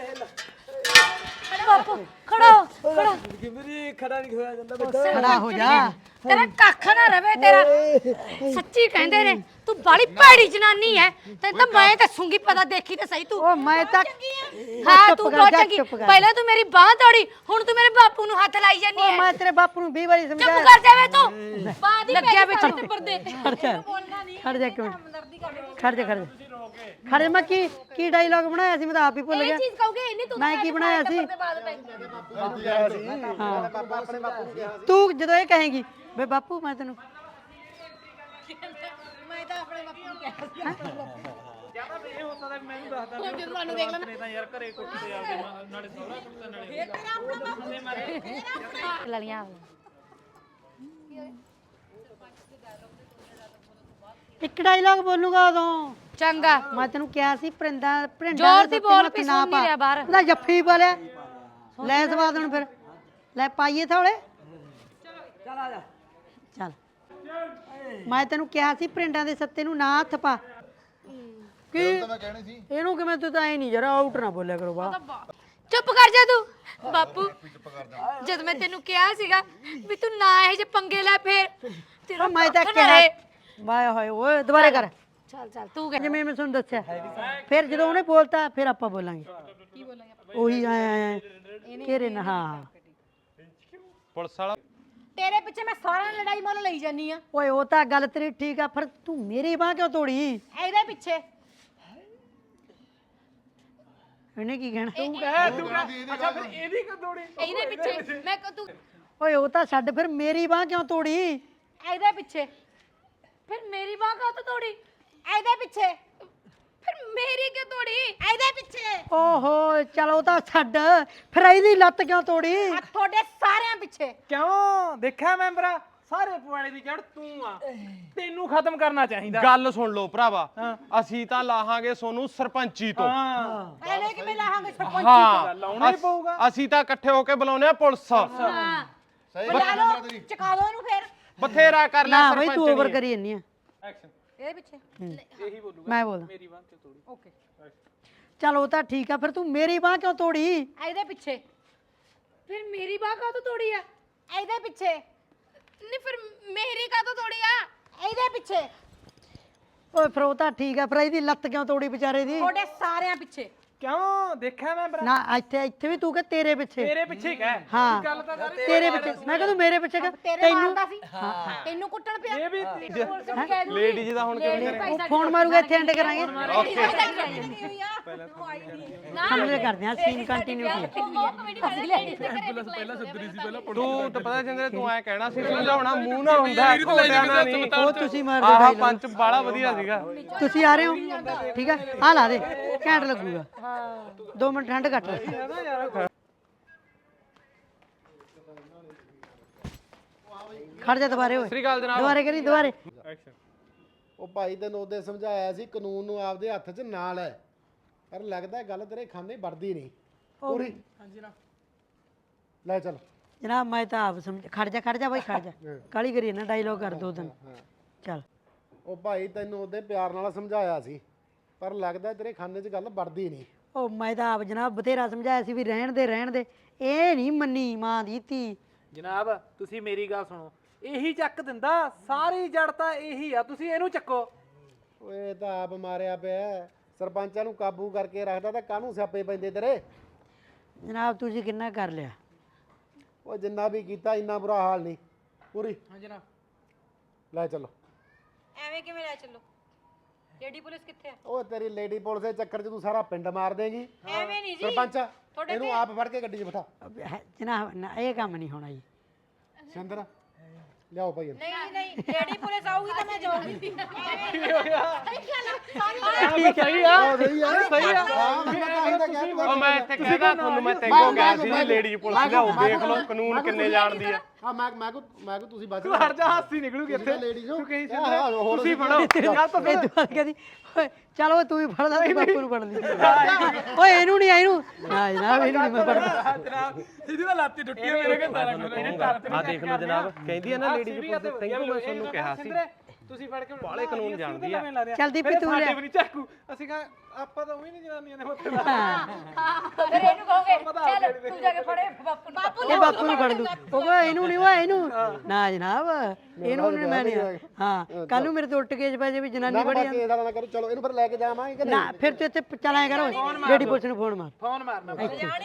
S6: ਬਾਪੂ ਖੜਾ ਹੋ, ਖੜਾ
S5: ਮੇਰੀ ਖੜਾ ਨਹੀਂ ਹੋਇਆ ਜਾਂਦਾ
S1: ਖੜਾ ਹੋ ਜਾ।
S4: ਤੇਰਾ ਕੱਖ ਨਾ ਰਵੇ ਤੇਰਾ ਸੱਚੀ ਕਹਿੰਦੇ ਨੇ ਤੂੰ ਬਾਲੀ ਭੈੜੀ ਜਨਾਨੀ ਐ ਤੈਨੂੰ ਤਾਂ ਮੈਂ ਦੱਸੂਗੀ ਪਤਾ ਦੇਖੀ ਤੇ ਸਹੀ ਤੂੰ
S1: ਉਹ ਮੈਂ ਤਾਂ
S4: ਹਾਂ
S1: ਚੁੱਪ
S4: ਤੂੰ
S1: ਕਰ
S4: ਬਹੁਤ
S1: ਜਾ,
S4: ਚੰਗੀ
S1: ਚੁੱਪ ਕਰ।
S4: ਪਹਿਲਾਂ ਤੂੰ ਮੇਰੀ ਬਾਹ ਤੋੜੀ ਹੁਣ ਤੂੰ ਮੇਰੇ ਬਾਪੂ ਨੂੰ ਹੱਥ ਲਾਈ ਜਾਨੀ
S1: ਉਹ
S4: ਐ
S1: ਮੈਂ ਤੇਰੇ ਬਾਪੂ ਨੂੰ ਵੀਹ ਵਾਰੀ
S4: ਚੁੱਪ
S1: ਸਮਝਾਇਆ।
S4: ਕਰ ਜਾਵੇ ਤੂੰ ਬਾਹ ਦੀ ਲੱਗਿਆ ਵਿੱਚ
S1: ਖੜ ਜਾ ਖੜ ਜਾ ਇੱਕ ਮਿੰਟ ਖੜ ਜਾ ਖੜ ਜਾ ਖੜ ਜਾ ਮੈਂ ਕੀ ਕੀ ਡਾਇਲੌਗ ਬਣਾਇਆ ਸੀ ਮੈਂ ਤਾਂ ਆਪ ਹੀ ਭੁੱਲ ਗਿਆ।
S6: ਇਹ ਚੀਜ਼ ਕਹੋਗੇ ਇੰਨੀ ਤੂੰ
S1: ਮੈਂ ਕੀ ਬਣਾਇਆ ਸੀ
S6: ਬਾਅਦ ਪੈ
S1: ਤੂੰ ਜਦੋਂ ਇਹ ਕਹੇਗੀ ਵੇ ਬਾਪੂ ਮੈਂ ਤੈਨੂੰ
S7: ਮੈਂ ਤਾਂ ਆਪਣੇ ਬਾਪੂ ਨੂੰ ਕਿਹਾ
S3: ਜਿਆਦਾ ਇਹ ਹੁੰਦਾ ਤਾਂ ਮੈਨੂੰ ਦੱਸਦਾ ਵੀ
S6: ਜਦੋਂ ਸਾਨੂੰ ਦੇਖ ਲੈਣਾ
S3: ਨੇ ਤਾਂ ਯਾਰ ਘਰੇ ਕੁੱਟਦੇ ਆਪਦੇ ਮਾਂ- ਨਾਲੇ ਸਹੁਰਾ ਕੁੱਟਦਾ ਨਾਲੇ
S4: ਲਲੀਆਂ
S1: ਇੱਕ ਡਾਇਲੌਗ ਬੋਲੂਗਾ ਉਦੋਂ
S4: ਚੰਗਾ
S1: ਮੈਂ ਤੈਨੂੰ ਕਿਹਾ ਸੀ ਪਰਿੰਦਾ ਪਰਿੰਦਾ
S4: ਜ਼ੋਰ ਦੀ ਬੋਲ ਵੀ ਸੁਣ ਨਹੀਂ ਰਿਹਾ ਬਾਹਰ।
S1: ਉਹਦਾ ਜੱਫੀ ਬੋਲਿਆ ਲੈ ਸਵਾਦ ਹੁਣ ਫਿਰ ਲੈ ਪਾਈਏ ਥੋੜੇ
S5: ਚੱਲ ਆ ਜਾ
S1: ਚੱਲ ਮੈਂ ਤੈਨੂੰ ਕਿਹਾ ਸੀ ਪਰਿੰਡਾਂ ਦੇ ਸੱਤੇ ਨੂੰ ਨਾ ਹੱਥ ਪਾ ਕੀ
S2: ਤਾਂ ਮੈਂ ਕਹਿਣੀ ਸੀ
S1: ਇਹਨੂੰ ਕਿਵੇਂ ਤੂੰ ਤਾਂ ਐ ਨਹੀਂ ਜਰਾ ਆਊਟ ਨਾ ਬੋਲਿਆ ਕਰੋ ਬਾ
S4: ਚੁੱਪ ਕਰ ਜਾ ਤੂੰ ਬਾਪੂ ਜਦ ਮੈਂ ਤੈਨੂੰ ਕਿਹਾ ਸੀਗਾ ਵੀ ਤੂੰ ਨਾ ਇਹ ਜੇ ਪੰਗੇ ਲੈ ਫੇਰ ਤੇਰਾ
S1: ਮੈਂ ਤਾਂ
S4: ਕੱਖ ਨਾ
S1: ਕਿਹਾ
S4: ਰਹੇ।
S1: ਵਾਏ ਹੋਏ ਓਏ ਦੁਬਾਰੇ ਕਰ
S4: ਚੱਲ ਚੱਲ ਤੂੰ ਕਹਿ
S1: ਜਿਵੇਂ ਮੈਂ ਤੁਹਾਨੂੰ ਦੱਸਿਆ ਫਿਰ ਜਦੋਂ ਉਹਨੇ ਬੋਲਤਾ ਫਿਰ ਆਪਾਂ ਬੋਲਾਂਗੇ ਕੀ ਬੋਲਾਂਗੇ ਉਹੀ ਆਏ ਆਏ ਘੇਰੇ ਨਾ ਹਾਂ
S3: ਪੁਲਿਸ ਵਾਲਾ
S7: ਤੇਰੇ ਪਿੱਛੇ ਮੈਂ ਸਾਰਿਆਂ ਲੜਾਈ ਮੁੱਲ ਲਈ ਜਾਨੀ ਆ
S1: ਓਏ ਉਹ ਤਾਂ ਗੱਲ ਤੇਰੀ ਠੀਕ ਆ ਪਰ ਤੂੰ ਮੇਰੀ ਬਾਹ ਕਿਉਂ ਤੋੜੀ
S7: ਇਹਦੇ ਪਿੱਛੇ
S1: ਇਹਨੇ ਕੀ ਕਹਿਣਾ
S3: ਤੂੰ ਕਹਿ ਤੂੰ ਕਹਿ ਅੱਛਾ ਫਿਰ ਇਹਦੀ ਕਿ ਦੋੜੀ
S6: ਇਹਦੇ ਪਿੱਛੇ ਮੈਂ ਕ- ਤੂੰ
S1: ਓਏ ਉਹ ਤਾਂ ਛੱਡ ਫਿਰ ਮੇਰੀ ਬਾਹ ਕਿਉਂ ਤੋੜੀ
S7: ਇਹਦੇ ਪਿੱਛੇ
S4: ਫਿਰ ਮੇਰੀ ਬਾਹ ਕਾਹ ਤੋਂ ਤੋੜੀ
S7: ਇਹਦੇ ਪਿੱਛੇ
S6: ਫਿਰ ਮੇਰੀ ਕਿਉਂ ਤੋੜੀ
S7: ਇਹਦੇ ਪਿੱਛੇ
S1: ਓਹੋ ਚਲੋ ਤਾਂ ਛੱਡ ਫਿਰ ਇਹਦੀ ਲੱਤ ਕਿਉਂ ਤੋੜੀ
S7: ਆ ਤੁਹਾਡੇ ਸਾਰਿਆਂ ਪਿੱਛੇ
S3: ਕਿਉਂ ਦੇਖਿਆ ਮੈਂਬਰਾ ਸਾਰੇ ਪੁਆੜੇ ਦੀ ਜੜ ਤੂੰ ਆ ਤੈਨੂੰ ਖਤਮ ਕਰਨਾ ਚਾਹੀਦਾ
S8: ਗੱਲ ਸੁਣ ਲਓ ਭਰਾਵਾ ਅਸੀਂ ਤਾਂ ਲਾਹਾਂਗੇ ਸੋਨੂੰ ਸਰਪੰਚੀ ਤੋਂ
S3: ਹਾਂ
S7: ਐਨੇ ਕਿਵੇਂ ਲਾਹਾਂਗੇ ਸਰਪੰਚ
S8: ਹਾਂ
S3: ਲਾਉਣਾ ਹੀ ਪਊਗਾ
S8: ਅਸੀਂ ਤਾਂ ਇਕੱਠੇ ਹੋ ਕੇ ਬੁਲਾਉਨੇ ਆ ਪੁਲਿਸ
S4: ਹਾਂ
S2: ਸਹੀ
S7: ਬੁਲਾ
S2: ਗੱਲ
S7: ਲਓ
S2: ਹੈ ਤੇਰੀ
S7: ਚਕਾ ਦੋ ਇਹਨੂੰ ਫੇਰ
S8: ਬਥੇਰਾ ਕਰ ਲਿਆ
S1: ਨਾ ਬਈ ਤੂੰ ਓਵਰ
S8: ਸਰਪੰਚ
S1: ਕਰੀ ਜੰਨੀ ਆ
S3: ਐਕਸ਼ਨ
S7: ਇਹਦੇ ਪਿੱਛੇ
S3: ਇਹੀ ਬੋਲੂਗਾ
S1: ਮੈਂ ਬੋਲ
S3: ਮੇਰੀ ਬਾਂਹ ਤੇ ਤੋੜੀ
S7: ਓਕੇ
S1: ਚਲ ਉਹ ਤਾਂ ਠੀਕ ਆ ਫਿਰ ਤੂੰ ਮੇਰੀ ਬਾਹ ਕਿਉਂ ਤੋੜੀ
S7: ਇਹਦੇ ਪਿੱਛੇ
S6: ਫਿਰ ਮੇਰੀ ਬਾਹ ਕਾਹ ਤੋਂ ਤੋੜੀ ਆ
S7: ਇਹਦੇ ਪਿੱਛੇ
S6: ਨਹੀਂ ਫਿਰ ਮੇਰੀ ਕਾਹ ਤੋਂ ਤੋੜੀ ਆ
S7: ਇਹਦੇ ਪਿੱਛੇ
S1: ਓਏ ਫਿਰ ਉਹ ਤਾਂ ਠੀਕ ਆ ਫਿਰ ਇਹਦੀ ਲੱਤ ਕਿਉਂ ਤੋੜੀ ਵਿਚਾਰੇ ਦੀ
S7: ਤੁਹਾਡੇ ਸਾਰਿਆਂ ਪਿੱਛੇ
S3: ਕਿਉਂ ਦੇਖਿਆ ਮੈਂਬਰਾ
S1: ਨਾ ਇੱਥੇ ਇੱਥੇ ਵੀ ਤੂੰ ਕਿ ਤੇਰੇ ਪਿੱਛੇ
S3: ਤੇਰੇ ਪਿੱਛੇ ਕਹਿ
S1: ਹਾਂ
S3: ਗੱਲ ਤਾਂ ਸਾਰੀ
S1: ਤੇਰੇ ਪਿੱਛੇ ਮੈਂ ਕਿਹਾ ਤੂੰ ਮੇਰੇ ਪਿੱਛੇ ਕਿ
S7: ਤੇਰੇ ਮਾਰਦਾ ਸੀ ਤੈਨੂੰ ਕੁੱਟਣ ਪਿਆ
S3: ਇਹ ਵੀ
S8: ਲੇਡੀਜ਼ ਦਾ ਹੁਣ ਕਿਵੇਂ ਕਰੇ
S1: ਉਹ ਫੋਨ ਮਾਰੂਗਾ ਇੱਥੇ ਐਂਡ ਕਰਾਂਗੇ ਸਮਝ ਕਰਦੇ ਆ ਸੀਨ ਕੰਟੀਨਿਊ ਕੀ
S8: ਤੂੰ ਤਾਂ ਪਤਾ ਚੰਦਰੇ ਤੂੰ ਐ ਕਹਿਣਾ ਸੀ ਸਮਝਾਉਣਾ ਮੂੰਹ ਨਾ ਹੁੰਦਾ ਘੋਟਿਆਂ ਨਾਲ ਨਹੀਂ
S1: ਉਹ ਤੁਸੀਂ ਮਾਰ
S8: ਆਹ
S1: ਦਿਓ
S8: ਪੰਚ ਬਾਲਾ ਵਧੀਆ ਸੀਗਾ
S1: ਤੁਸੀਂ ਆ ਰਹੇ ਹੋ ਠੀਕ ਆ ਆ ਲਾ ਦੇ ਘੈਂਟ ਲੱਗੂਗਾ ਦੋ ਮਿੰਟ ਠੰਡ ਘੱਟ ਲੈ ਖੜ ਜਾ ਦੁਬਾਰੇ ਓਏ
S8: ਸ੍ਰੀ ਅਕਾਲ ਜਨਾਬ
S1: ਦੁਬਾਰੇ ਕਰੀ ਦੁਬਾਰੇ
S9: ਉਹ ਭਾਈ ਤੈਨੂੰ ਉਹਦੇ ਸਮਝਾਇਆ ਸੀ ਕਾਨੂੰਨ ਨੂੰ ਆਪਦੇ ਹੱਥ 'ਚ ਨਾ ਲੈ ਪਰ ਲੱਗਦਾ ਗੱਲ ਤੇਰੇ ਖਾਨੇ ਵੜਦੀ ਨਹੀਂ ਪੂਰੀ ਹਾਂਜੀ ਨਾ ਲੈ ਚੱਲ
S1: ਜਨਾਬ ਮੈਂ ਤਾਂ ਆਪ ਸਮਝ ਖੜ ਜਾ ਖੜ ਜਾ ਬਾਈ ਖੜ ਜਾ ਕਾਲੀ ਕਰੀ ਨਾ ਡਾਇਲੋਗ ਕਰ ਦੋ ਦਿਨ ਚੱਲ
S9: ਉਹ ਭਾਈ ਤੈਨੂੰ ਉਹਦੇ ਪਿਆਰ ਨਾਲ ਸਮਝਾਇਆ ਸੀ ਪਰ ਲੱਗਦਾ ਤੇਰੇ ਖਾਨੇ 'ਚ ਗੱਲ ਵੜਦੀ ਨਹੀਂ
S1: ਉਹ ਮੈਂ ਤਾਂ ਆਪ ਜਨਾਬ ਬਥੇਰਾ ਸਮਝਾਇਆ ਸੀ ਵੀ ਰਹਿਣ ਦੇ ਰਹਿਣ ਦੇ ਇਹ ਨਹੀਂ ਮੰਨੀ ਮਾਂ ਦੀ ਧੀ
S3: ਜਨਾਬ ਤੁਸੀਂ ਮੇਰੀ ਗੱਲ ਸੁਣੋ ਇਹੀ ਚੱਕ ਦਿੰਦਾ ਸਾਰੀ ਜੜ ਤਾਂ ਇਹੀ ਆ ਤੁਸੀਂ ਇਹਨੂੰ ਚੱਕੋ
S9: ਓਏ ਇਹ ਤਾਂ ਆਪ ਮਾਰਿਆ ਪਿਆ ਸਰਪੰਚਾਂ ਨੂੰ ਕਾਬੂ ਕਰਕੇ ਰੱਖਦਾ ਤਾਂ ਕਾਹਨੂੰ ਸਿਆਪੇ ਪੈਂਦੇ ਤੇਰੇ
S1: ਜਨਾਬ ਤੁਸੀਂ ਕਿੰਨਾ ਕਰ ਲਿਆ
S9: ਉਹ ਜਿੰਨਾ ਵੀ ਕੀਤਾ ਇੰਨਾ ਬੁਰਾ ਹਾਲ ਨਹੀਂ ਪੂਰੀ
S3: ਹਾਂ ਜਨਾਬ
S9: ਲੈ ਚੱਲੋ
S7: ਐਵੇਂ ਕਿਵੇਂ ਲੈ ਚੱਲੋ ਲੇਡੀ ਪੁਲਿਸ ਕਿੱਥੇ ਆ
S9: ਉਹ ਤੇਰੀ ਲੇਡੀ ਪੁਲਿਸ ਦੇ ਚੱਕਰ 'ਚ ਤੂੰ ਸਾਰਾ ਪਿੰਡ ਮਾਰ ਦੇਂਗੀ
S7: ਐਵੇਂ ਨਹੀਂ ਜੀ
S9: ਸਰਪੰਚ ਇਹਨੂੰ ਆਪ ਫੜ ਕੇ ਗੱਡੀ 'ਚ ਬਿਠਾ
S1: ਅਬ ਹੈ- ਜਨਾਬ ਨਾ ਇਹ ਕੰਮ ਨਹੀਂ ਹੋਣਾ ਜੀ
S9: ਸਿੰਦਰ ਲਿਆਓ ਭਾਈ ਇਹਨੂੰ।
S7: ਨਹੀਂ ਨਹੀਂ ਲੇਡੀ ਪੁਲਿਸ ਆਊਗੀ ਤਾਂ ਮੈਂ ਜਾਊਂਗੀ
S8: ਠੀਕ ਆ
S9: ਉਹ ਸਹੀ ਆ ਸਹੀ ਆ ਹਾਂ ਮੈਂ ਤਾਂ ਹੀ ਤਾਂ ਕਿਹਾ
S8: ਉਹ ਮੈਂ ਇੱਥੇ ਕਹਿਦਾ ਤੁਹਾਨੂੰ ਮੈਂ ਤੈਨੂੰ ਕਿਹਾ ਸੀ ਜੀ ਲੇਡੀ ਪੁਲਿਸ ਲਿਆਓ ਦੇਖ ਲਓ ਕਾਨੂੰਨ ਕਿੰਨੇ ਜਾਣਦੀ ਆ
S9: ਹਾਂ ਮੈਂ ਮੈਂ ਕੋ ਮੈਂ ਕੋ ਤੁਸੀਂ ਬਚ
S8: ਤੂੰ ਹਟ ਜਾ ਹਾਸੀ ਨਿਕਲੂਗੀ ਇੱਥੇ
S9: ਲੇਡੀ ਜੋ
S8: ਤੂੰ ਕਹੀਂ
S9: ਹਾਂ, ਹਾਂ, ਹੋਰ
S8: ਤੁਸੀਂ
S9: ਅਸੀਂ
S8: ਫੜੋ ਗੱਲ ਤਾਂ
S1: ਇਹ ਦੁਆ ਕਹਿੰਦੀ ਓਏ ਚੱਲ ਓਏ ਤੂੰ ਵੀ ਫੜ ਲੈ ਤੇ ਬਾਪੂ ਨੂੰ ਫੜ ਲਈ ਓਏ ਇਹਨੂੰ ਨਹੀਂ ਇਹਨੂੰ ਨਾ ਜਨਾਬ ਇਹਨੂੰ ਨਹੀਂ ਮੈਂ ਫੜਦਾ
S3: ਜਨਾਬ ਇਹਦੀ ਤਾਂ ਲੱਤ ਹੀ ਟੁੱਟੀ ਹੈ ਮੇਰੇ ਕੋਲ ਸਾਰਾ ਕੁਝ ਇਹਨੇ ਟੱਪ
S8: ਆ ਦੇਖ ਲਓ ਜਨਾਬ ਕਹਿੰਦੀ ਆ ਨਾ ਲੇਡੀ ਪੁਲਿਸ ਤੈਨੂੰ ਮੈਂ ਤੁਹਾਨੂੰ ਕਿਹਾ ਸੀ
S3: ਤੁਸੀਂ ਫੜ ਕੇ
S8: ਬਾਲੇ ਕਾਨੂੰਨ ਜਾਣਦੀ ਆ
S1: ਚੱਲ ਦੀਪੀ ਤੂੰ
S3: ਸਾਡੇ
S1: ਲੈ
S3: ਵੀ ਨਹੀਂ ਚਾਕੂ ਅਸੀਂ ਕਹਾਂ ਆਪਾਂ ਤਾਂ ਉਹੀ ਨਹੀਂ ਜਨਾਨੀਆਂ ਨੇ ਉੱਥੇ ਦਾ
S4: ਫਿਰ ਇਹਨੂੰ ਕਹੋਗੇ ਚੱਲ ਤੂੰ ਜਾ ਕੇ ਫੜੇ ਬਾਪੂ ਨੂੰ ਬਾਪੂ
S1: ਇਹ ਬਾਪੂ ਨੂੰ ਫੜ ਲੂ ਉਹ ਕਹੇ ਇਹਨੂੰ ਨਹੀਂ ਓਏ ਇਹਨੂੰ ਨਾ ਜਨਾਬ ਇਹਨੂੰ ਨਹੀਂ ਮੈਂ ਨਹੀਂ ਹਾਂ ਕੱਲ ਨੂੰ ਮੇਰੇ ਤੋਂ ਉੱਟ ਕੇ ਜੇ ਵੀ ਜਨਾਨੀ
S9: ਨਾ
S1: ਬੜੀ
S9: ਬਾਕੀ ਇਹਦਾ ਨਾ ਕਰੋ ਚਲੋ ਇਹਨੂੰ ਫਿਰ ਲੈ ਕੇ ਜਾਵਾਂਗੇ ਕਿ
S1: ਨਾ ਫਿਰ ਤੂੰ ਇੱਥੇ ਚਲਾਇਆ ਕਰ ਓਏ ਲੇਡੀ ਪੁਲਿਸ ਨੂੰ ਫੋਨ ਮਾਰ
S3: ਫੋਨ ਮਾਰਨਾ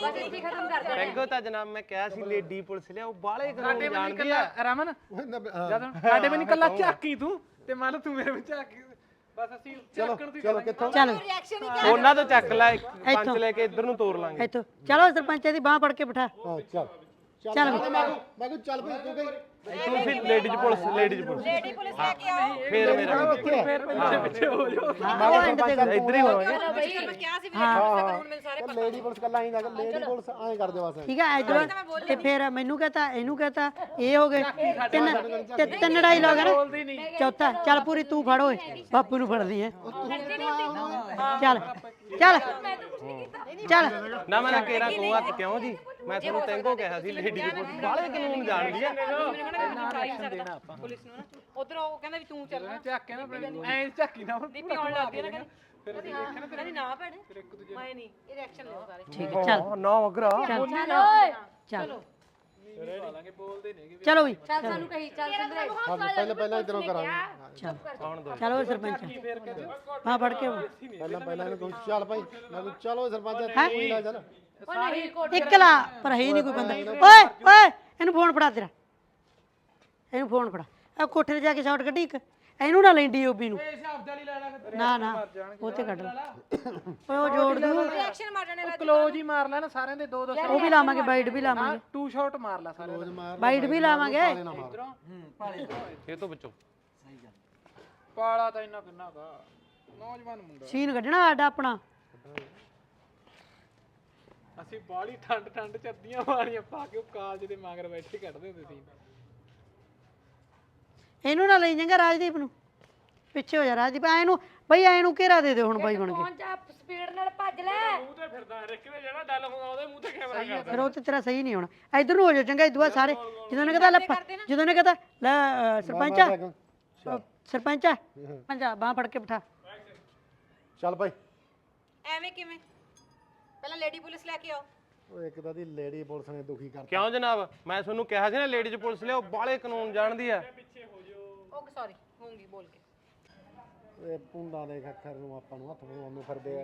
S8: ਟੈਂਗੋ ਤਾਂ ਜਨਾਬ ਮੈਂ ਕਿਹਾ ਸੀ ਲੇਡੀ ਪੁਲਿਸ ਲਿਆਓ ਬਾਲੇ ਕਾਨੂੰਨ ਜਾਣਦੀ ਆ
S3: ਰਮਨ
S9: ਨਹੀਂ
S3: ਜਦ ਸਾਡੇ ਵੀ ਨਹੀਂ ਕੱਲਾ ਝਾਕੀ ਤੂੰ ਤੇ ਮੰਨ ਲਾ ਤੂੰ ਮੇਰੇ ਵਿੱਚ ਝਾਕੀ ਬਸ ਅਸੀਂ ਝਾਕਣ ਦੀ
S9: ਚਲੋ ਕਿੱਥੋਂ
S1: ਚੱਲ
S8: ਉਹਨਾਂ ਤੋਂ ਚੱਕ ਲੈ ਇੱਕ ਪੰਜ ਲੈ ਕੇ ਇੱਧਰ ਨੂੰ ਤੋਰ ਲਾਂਗੇ
S1: ਇੱਥੋਂ ਚਲੋ ਸਰਪੰਚ ਦੀ ਬਾਹ ਫੜ ਕੇ ਬਿਠਾ
S9: ਹਾਂ ਚੱਲ
S1: ਚੱਲ
S9: ਮੈਂ ਮੈਂ ਮੈਂ ਕਿਹਾ ਚੱਲ ਭਾਈ ਤੂੰ ਗਈ
S8: ਤੂੰ ਫਿਰ ladies police ladies police
S7: lady police ਲੈ ਕੇ ਆਓ
S8: ਫੇਰ ਮੇਰਾ
S3: ਫੇਰ ਪਿੱਛੇ ਪਿੱਛੇ ਹੋ ਜਾਓ
S1: ਉਹ ਐਂਡ ਤੇ ਕਰੋ।
S8: ਇੱਧਰ ਹੀ ਹੋਵਾਂਗੇ
S7: ਮੈਂ ਕਿਹਾ ਸੀ ਵੀ ਕਾਨੂੰਨ ਮੈਨੂੰ ਸਾਰੇ
S9: ਲੇਡੀ ਪੁਲਿਸ ਕੱਲਾ ਹੀ ਨਾ ਲੇਡੀ ਪੁਲਿਸ ਐਂ ਕਰਦੇ ਬਸ
S1: ਠੀਕ ਹੈ ਐਜ ਤੇ ਫਿਰ ਮੈਨੂੰ ਕਹਤਾ ਇਹਨੂੰ ਕਹਤਾ ਇਹ ਹੋ ਗਏ ਤਿੰਨ ਤੇ ਤਿੰਨ ਡਾਇਲੌਗ ਹੈ ਨਾ ਚੌਥਾ ਚੱਲ ਪੂਰੀ ਤੂੰ ਫੜ ਓਏ ਬਾਪੂ ਨੂੰ ਫੜਦੀ ਹੈ ਚੱਲ ਚੱਲ ਚੱਲ
S8: ਨਾ ਮੈਂ ਕੇਰਾ ਕੋ ਹੱਥ ਕਿਉਂ ਜੀ ਮੈਂ ਤੁਹਾਨੂੰ ਤੈਂਗੋ ਕਿਹਾ ਸੀ ਲੇਡੀ ਪੁਲਿਸ ਬਾਲੇ ਕਾਨੂੰਨ ਜਾਣਦੀ ਆ
S7: ਪੁਲਿਸ ਨੂੰ ਨਾ ਉਧਰ ਉਹ ਕਹਿੰਦਾ ਵੀ ਤੂੰ ਚੱਲ
S3: ਝਾਕੇ ਨਾ ਐ ਝਾਕੀ ਨਾ
S7: ਦੀਪੀ ਆਉਣ ਲੱਗ ਗਈ ਨਾ ਕਹਿੰਦੀ ਕਹਿੰਦੀ ਨਾ ਭੈਣੇ ਮੈਂ ਨਹੀਂ ਇਹ ਰਿਐਕਸ਼ਨ ਲਓ ਸਾਰੇ
S1: ਠੀਕ ਹੈ ਚੱਲ
S8: ਨਾ ਅਗਰਾ
S1: ਚੱਲ
S4: ਚੱਲ ਓਏ
S1: ਚੱਲ
S3: ਲਾਂਗੇ ਬੋਲਦੇ ਨੇਗੇ
S1: ਚਲੋ ਵੀ
S4: ਚੱਲ ਸਾਨੂੰ ਕਹੀ ਚੱਲ ਸਿੰਦਰੇ
S9: ਪਹਿਲਾਂ ਪਹਿਲਾਂ ਇਧਰੋਂ ਕਰਾਂਗੇ
S1: ਚੱਲ ਚਲੋ ਸਰਪੰਚ ਹਾਂ ਫੜ ਕੇ
S9: ਪਹਿਲਾਂ ਪਹਿਲਾਂ ਇਹਨੂੰ ਕਹੋ ਚੱਲ ਭਾਈ ਮੈਂ ਕਿਹਾ ਚਲੋ ਸਰਪੰਚ ਤੂੰ ਹੀ ਲੈ ਚੱਲ
S1: ਇਕਲਾ ਪਰ ਹੈ ਹੀ ਨਹੀਂ ਕੋਈ ਬੰਦਾ ਓਏ ਓਏ ਇਹਨੂੰ ਫੋਨ ਫੜਾ ਤੇਰਾ ਇਹਨੂੰ ਫੋਨ ਫੜਾ ਆ ਕੋਠੇ ਤੇ ਜਾ ਕੇ ਸ਼ਾਟ ਕੱਢੀ ਇੱਕ ਇਹਨੂੰ ਨਾ ਲੈਂਦੀ ਓਬੀ ਨੂੰ ਨਾ ਨਾ ਉਹ ਤੇ ਕੱਢ ਲੈ ਓਏ ਉਹ ਜੋੜ ਦੂ
S7: ਰਿਐਕਸ਼ਨ ਮਾਰਨੇ ਵਾਲਾ
S3: ਕਲੋਜ਼ ਹੀ ਮਾਰ ਲੈਣਾ ਸਾਰਿਆਂ ਦੇ ਦੋ ਦੋ
S1: ਉਹ ਵੀ ਲਾਵਾਂਗੇ ਬਾਈਟ ਵੀ ਲਾਵਾਂਗੇ
S3: ਟੂ ਸ਼ਾਟ ਮਾਰ ਲੈ ਸਾਰਿਆਂ ਦੇ
S1: ਬਾਈਟ ਵੀ ਲਾਵਾਂਗੇ
S8: ਇਹ ਤੋਂ ਬਚੋ
S3: ਪਾਲਾ ਤਾਂ ਇੰਨਾ ਕਿੰਨਾ ਕਾ ਨੌਜਵਾਨ ਮੁੰਡਾ
S1: ਸੀਨ ਕੱਢਣਾ ਸਾਡਾ ਆਪਣਾ
S3: ਅਸੀਂ ਬਾਲੀ ਠੰਡ ਠੰਡ ਚ ਅੱਧੀਆਂ ਵਾਲੀਆਂ ਪਾ ਕੇ ਉਹ ਕਾਲਜ ਦੇ ਮਗਰ ਬੈਠੇ ਕੱਢਦੇ ਹੁੰਦੇ ਸੀ
S1: ਇਹਨੂੰ ਨਾ ਲਈ ਜਾਂਗਾ ਰਾਜਦੀਪ ਨੂੰ ਪਿੱਛੇ ਹੋ ਜਾ ਰਾਜਦੀਪ ਐ ਨੂੰ ਬਈ ਐ ਨੂੰ ਘੇਰਾ ਦੇ ਦੇ ਹੁਣ ਬਾਈ ਬਣ ਕੇ
S4: ਪਹੁੰਚ ਜਾ ਸਪੀਡ ਨਾਲ ਭੱਜ ਲੈ
S3: ਮੂੰਹ ਤੇ ਫਿਰਦਾ ਰਿਕਵੇ ਜਿਹੜਾ ਡੱਲ ਹੁੰਦਾ ਉਹਦੇ ਮੂੰਹ ਤੇ ਕੈਮਰਾ ਕਰਦਾ
S1: ਫਿਰ ਉਹ ਤੇ ਤੇਰਾ ਸਹੀ ਨਹੀਂ ਹੋਣਾ ਇਧਰ ਨੂੰ ਹੋ ਜਾ ਚੰਗਾ ਇਦੂਆ ਸਾਰੇ ਜਦੋਂ ਨੇ ਕਹਤਾ ਲੈ ਫ- ਜਦੋਂ ਨੇ ਕਹਤਾ ਲੈ ਅ, ਸਰਪੰਚਾ ਅ, ਸਰਪੰਚਾ ਪੰਜਾ ਬਾਹ ਫੜ ਕੇ ਬਿਠਾ
S9: ਚੱਲ ਭਾਈ
S7: ਐਵੇਂ ਕਿਵੇਂ ਪਹਿਲਾਂ ਲੇਡੀ ਪੁਲਿਸ ਲੈ ਕੇ ਆਓ
S9: ਉਹ ਇੱਕ ਤਾਂ ਦੀ ਲੇਡੀ ਪੁਲਿਸ ਨੇ ਦੁਖੀ ਕਰਤਾ
S8: ਕਿਉਂ ਜਨਾਬ ਮੈਂ ਤੁਹਾਨੂੰ ਕਿਹਾ ਸੀ ਨਾ ਲੇਡੀਜ਼ ਪੁਲਿਸ ਲਿਆਓ ਬਾਲੇ ਕਾਨੂੰਨ ਜਾਣਦੀ ਆ
S7: ਓਕੇ ਸੌਰੀ ਹੋਊਂਗੀ ਬੋਲ ਕੇ
S9: ਇਹ ਪੁੰਡਾ ਦੇ ਅੱਖਰ ਨੂੰ ਆਪਾਂ ਨੂੰ ਹੱਥ ਪਾਉਣ ਨੂੰ ਫਿਰਦੇ ਆ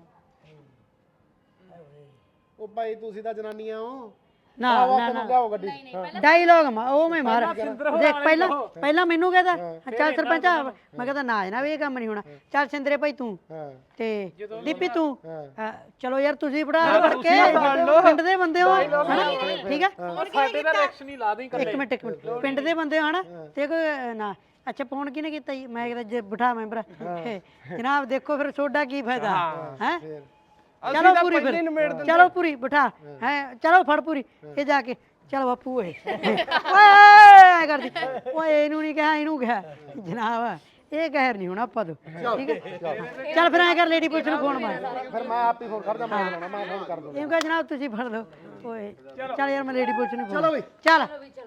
S9: ਉਹ ਭਾਈ ਤੁਸੀਂ ਤਾਂ ਜਨਾਨੀਆਂ ਹੋ
S1: ਨਾ ਨਾ ਨਾ
S9: ਲਿਆਓ ਗੱਡੀ
S1: ਡਾਇਲੌਗ ਮਾ ਉਹ ਮੈਂ ਮਾਰ ਦੇਖ ਪਹਿਲਾਂ ਪਹਿਲਾਂ ਮੈਨੂੰ ਕਹਦਾ ਚੱਲ ਸਰਪੰਚਾ ਮੈਂ ਕਹਦਾ ਨਾ ਜਨਾਬ ਇਹ ਕੰਮ ਨਹੀਂ ਹੋਣਾ ਚੱਲ ਸਿੰਦਰੇ ਭਾਈ ਤੂੰ
S9: ਹਾਂ
S1: ਤੇ ਦੀਪੀ ਤੂੰ
S9: ਹਾਂ
S1: ਅ, ਚਲੋ ਯਾਰ ਤੁਸੀਂ ਫੜਾ ਫੜ ਕੇ ਪਿੰਡ ਦੇ ਬੰਦੇ ਹੋ ਹਨਾ ਠੀਕ ਹੈ
S3: ਸਾਡੇ ਦਾ ਰਿਐਕਸ਼ਨ ਹੀ ਲਾ ਦੇ
S1: ਇੱਕ ਮਿੰਟ ਇੱਕ ਮਿੰਟ ਪਿੰਡ ਦੇ ਬੰਦੇ ਹੋ ਹਨਾ ਤੇ ਕੋਈ ਨਾ ਅੱਛਾ ਫੋਨ ਕਿਹਨੇ ਕੀਤਾ ਜੀ ਮੈਂ ਕਹਿੰਦਾ ਜੇ ਬਿਠਾ ਮੈਂਬਰ ਜਨਾਬ ਦੇਖੋ ਫਿਰ ਤੁਹਾਡਾ ਕੀ ਫਾਇਦਾ ਹੈ ਚਲੋ ਪੂਰੀ ਫਿਰ ਚਲੋ ਪੂਰੀ ਬਿਠਾ ਹੈ ਚਲੋ ਫੜ ਪੂਰੀ ਇਹ ਜਾ ਕੇ ਚਲ ਬਾਪੂ ਓਏ ਓਏ ਕਰਦੀ ਓਏ ਇਹਨੂੰ ਨਹੀਂ ਕਿਹਾ ਇਹਨੂੰ ਕਿਹਾ ਜਨਾਬ ਇਹ ਕਹਿਰ ਨਹੀਂ ਹੋਣਾ ਆਪਾਂ ਤੋਂ ਠੀਕ ਹੈ ਚੱਲ ਫਿਰ ਐ ਕਰ ਲੇਡੀ ਪੁਲਿਸ ਨੂੰ ਫੋਨ ਮਾਰ
S9: ਫਿਰ ਮੈਂ ਆਪ ਹੀ ਫੋਨ ਕਰਦਾ ਮੈਂ ਲਾਉਣਾ ਮੈਂ ਫੋਨ ਕਰ ਦੂੰਗਾ
S1: ਇਹਨੂੰ ਕਹ ਜਨਾਬ ਤੁਸੀਂ ਫੜ ਲਓ ਓਏ ਚੱਲ ਯਾਰ ਮੈਂ ਲੇਡੀ ਪੁਲਿਸ ਨੂੰ
S9: ਚਲੋ ਬਈ
S1: ਚੱਲ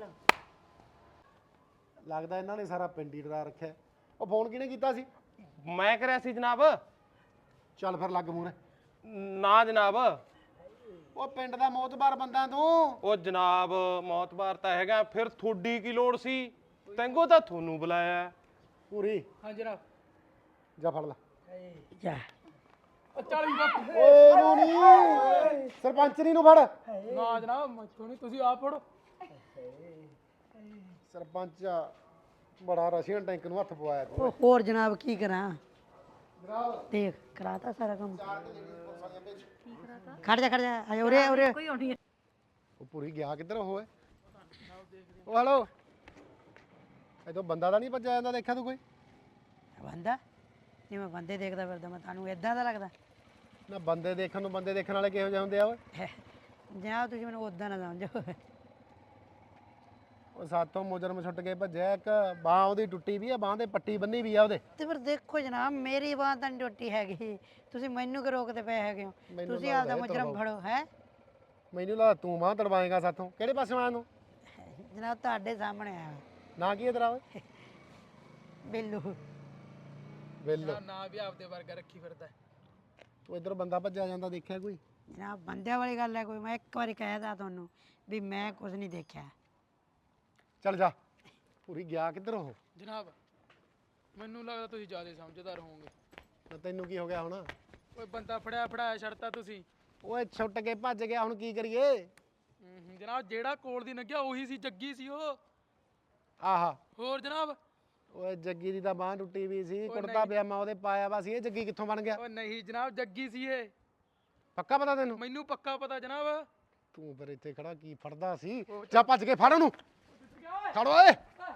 S9: ਲੱਗਦਾ ਇਹਨਾਂ ਨੇ ਸਾਰਾ ਪਿੰਡ ਹੀ ਡਰਾ ਰੱਖਿਆ ਉਹ ਫੋਨ ਕਿਹਨੇ ਕੀਤਾ ਸੀ
S8: ਮੈਂ ਕਰਿਆ ਸੀ ਜਨਾਬ
S9: ਚੱਲ ਫਿਰ ਲੱਗ ਮੂਰੇ
S8: ਨਾ ਜਨਾਬ
S9: ਉਹ ਪਿੰਡ ਦਾ ਮੋਤਬਾਰ ਬੰਦਾ ਤੂੰ
S8: ਉਹ ਜਨਾਬ ਮੌਤਬਾਰ ਤਾਂ ਹੈਗਾ ਫਿਰ ਤੁਹਾਡੀ ਕੀ ਲੋੜ ਸੀ ਤੈਂਗੋ ਤਾਂ ਤੁਹਾਨੂੰ ਬੁਲਾਇਆ
S9: ਪੂਰੀ
S3: ਹਾਂ ਜਨਾਬ
S9: ਜਾ ਫੜ ਲੈ
S1: ਜਾ
S3: ਚਾਲੀ ਬਾਪੂ
S9: ਓਏ ਨੂੰ ਨਹੀਂ ਸਰਪੰਚਨੀ ਨੂੰ ਫੜ
S3: ਨਾ ਜਨਾਬ ਮੈਥੋਂ ਨਹੀਂ ਤੁਸੀਂ ਆਪ ਫੜੋ
S9: ਸਰਪੰਚ ਬੜਾ ਰਸ਼ੀਅਨ ਟੈਂਕ ਨੂੰ ਹੱਥ ਪਵਾਇਆ ਤੂੰ
S1: ਉਹ ਹੋਰ ਜਨਾਬ ਕੀ ਕਰਾਂ ਦੇਖ ਕਰਾਤਾ ਸਾਰਾ ਕੰਮ ਖੜ ਜਾ ਖੜ ਜਾ ਆ ਉਰੇ ਉਰੇ
S9: ਉਹ ਪੂਰੀ ਗਿਆ ਕਿੱਧਰ ਉਹ ਓਏ ਉਹ ਹਲੋ ਇਦੋਂ ਬੰਦਾ ਤਾਂ ਨਹੀਂ ਭੱਜਿਆ ਜਾਂਦਾ ਦੇਖਿਆ ਤੂੰ ਕੋਈ?
S1: ਬੰਦਾ ਜਿਵੇਂ ਬੰਦੇ ਦੇਖਦਾ ਫਿਰਦਾ ਮੈਂ ਤੁਹਾਨੂੰ ਇਦਾਂ ਦਾ ਲੱਗਦਾ?
S9: ਨਾ ਬੰਦੇ ਦੇਖਣ ਨੂੰ ਬੰਦੇ ਦੇਖਣ ਵਾਲੇ ਕਿਹੋ ਜਿਹੇ ਹੁੰਦੇ ਆ ਓਏ?
S1: ਜਨਾਬ ਤੁਸੀਂ ਮੈਨੂੰ ਉਦਾਂ ਨਾ ਸਮਝੋ।
S9: ਉਹ ਸਾਥੋਂ ਮੁਜਰਮ ਛੁੱਟ ਕੇ ਭੱਜਿਆ, ਇੱਕ ਬਾਹ ਉਹਦੀ ਟੁੱਟੀ ਵੀ ਆ, ਬਾਹ ਤੇ ਪੱਟੀ ਬੰਨੀ ਵੀ ਆ ਉਹਦੇ।
S1: ਤੇ ਫਿਰ ਦੇਖੋ ਜਨਾਬ ਮੇਰੀ ਬਾਤ ਤਾਂ ਨਹੀਂ ਟੁੱਟੀ ਹੈਗੀ, ਤੁਸੀਂ ਮੈਨੂੰ ਕਿ ਰੋਕਦੇ ਪਏ ਹੈਗੇ ਹੋ?
S9: ਮੈਨੂੰ
S1: ਤੁਸੀਂ
S9: ਲੱਗਦਾ
S1: ਆਪਦਾ
S9: ਇਹ
S1: ਮੁਜਰਮ
S9: ਤੜਵਾਓ।
S1: ਫੜੋ ਹੈ
S9: ਮੈਨੂੰ ਲੱਗਦਾ ਤੂੰ ਬਾਹ ਤੜਵਾਏਗਾ ਸਾਥੋਂ। ਕਿਹੜੇ ਪਾਸੇ ਆਇਆ ਤੂੰ?
S1: ਜਨਾਬ ਤੁਹਾਡੇ ਸਾਹਮਣੇ ਆਇਆ
S9: ਨਾ ਕੀ ਹੈ ਤੇਰਾ ਓਏ?
S1: ਬਿੱਲੂ।
S9: ਬਿੱਲ
S3: ਨਾ ਵੀ ਆਪਦੇ ਵਰਗਾ ਰੱਖੀ ਫਿਰਦਾ
S9: ਤੂੰ ਇੱਧਰ ਬੰਦਾ ਭੱਜਿਆ ਜਾਂਦਾ ਦੇਖਿਆ ਕੋਈ?
S1: ਜਨਾਬ ਬੰਦਿਆਂ ਵਾਲੀ ਗੱਲ ਹੈ ਕੋਈ? ਮੈਂ ਇੱਕ ਵਾਰੀ ਕਹਿਦਾ ਤੁਹਾਨੂੰ ਵੀ ਮੈਂ ਕੁਝ ਨਹੀਂ ਦੇਖਿਆ।
S9: ਚੱਲ ਜਾ। ਪੂਰੀ ਗਿਆ ਕਿੱਧਰ ਉਹ?
S3: ਜਨਾਬ ਮੈਨੂੰ ਲੱਗਦਾ ਤੁਸੀਂ ਜ਼ਿਆਦਾ ਸਮਝਦਾਰ ਹੋਵੋਗੇ।
S9: ਤਾਂ ਤੈਨੂੰ ਕੀ ਹੋ ਗਿਆ ਹੁਣ?
S3: ਓਏ ਬੰਦਾ ਫੜਿਆ ਫੜਾਇਆ ਛੱਡਤਾ ਤੁਸੀਂ।
S9: ਓਏ ਛੁੱਟ ਕੇ ਭੱਜ ਗਿਆ, ਹੁਣ ਕੀ ਕਰੀਏ?
S3: ਹੂੰ ਜਨਾਬ ਜਿਹੜਾ ਕੋਲ ਦੀ ਲੰਘਿਆ ਉਹੀ ਸੀ, ਜੱਗੀ ਸੀ ਉਹ।
S9: ਆਹਾ
S3: ਹੋਰ ਜਨਾਬ?
S9: ਓਏ ਜੱਗੀ ਦੀ ਤਾਂ ਬਾਹ ਟੁੱਟੀ ਵੀ ਸੀ,
S3: ਓਏ
S9: ਕੁੜਤਾ
S3: ਨਹੀਂ।
S9: ਪਜਾਮਾ ਉਹਦੇ ਪਾਇਆ ਵਾ ਸੀ, ਇਹ ਜੱਗੀ ਕਿੱਥੋਂ ਬਣ ਗਿਆ?
S3: ਓ ਨਹੀਂ ਜਨਾਬ ਜੱਗੀ ਸੀ ਇਹ,
S9: ਪੱਕਾ ਪਤਾ ਤੈਨੂੰ?
S3: ਮੈਨੂੰ ਪੱਕਾ ਪਤਾ ਜਨਾਬ।
S9: ਤੂੰ ਫਿਰ ਇੱਥੇ ਖੜਾ ਕੀ ਫੜਦਾ ਸੀ? ਜਾ ਭੱਜ ਕੇ ਫੜ ਉਹਨੂੰ, ਫੜ ਓਏ।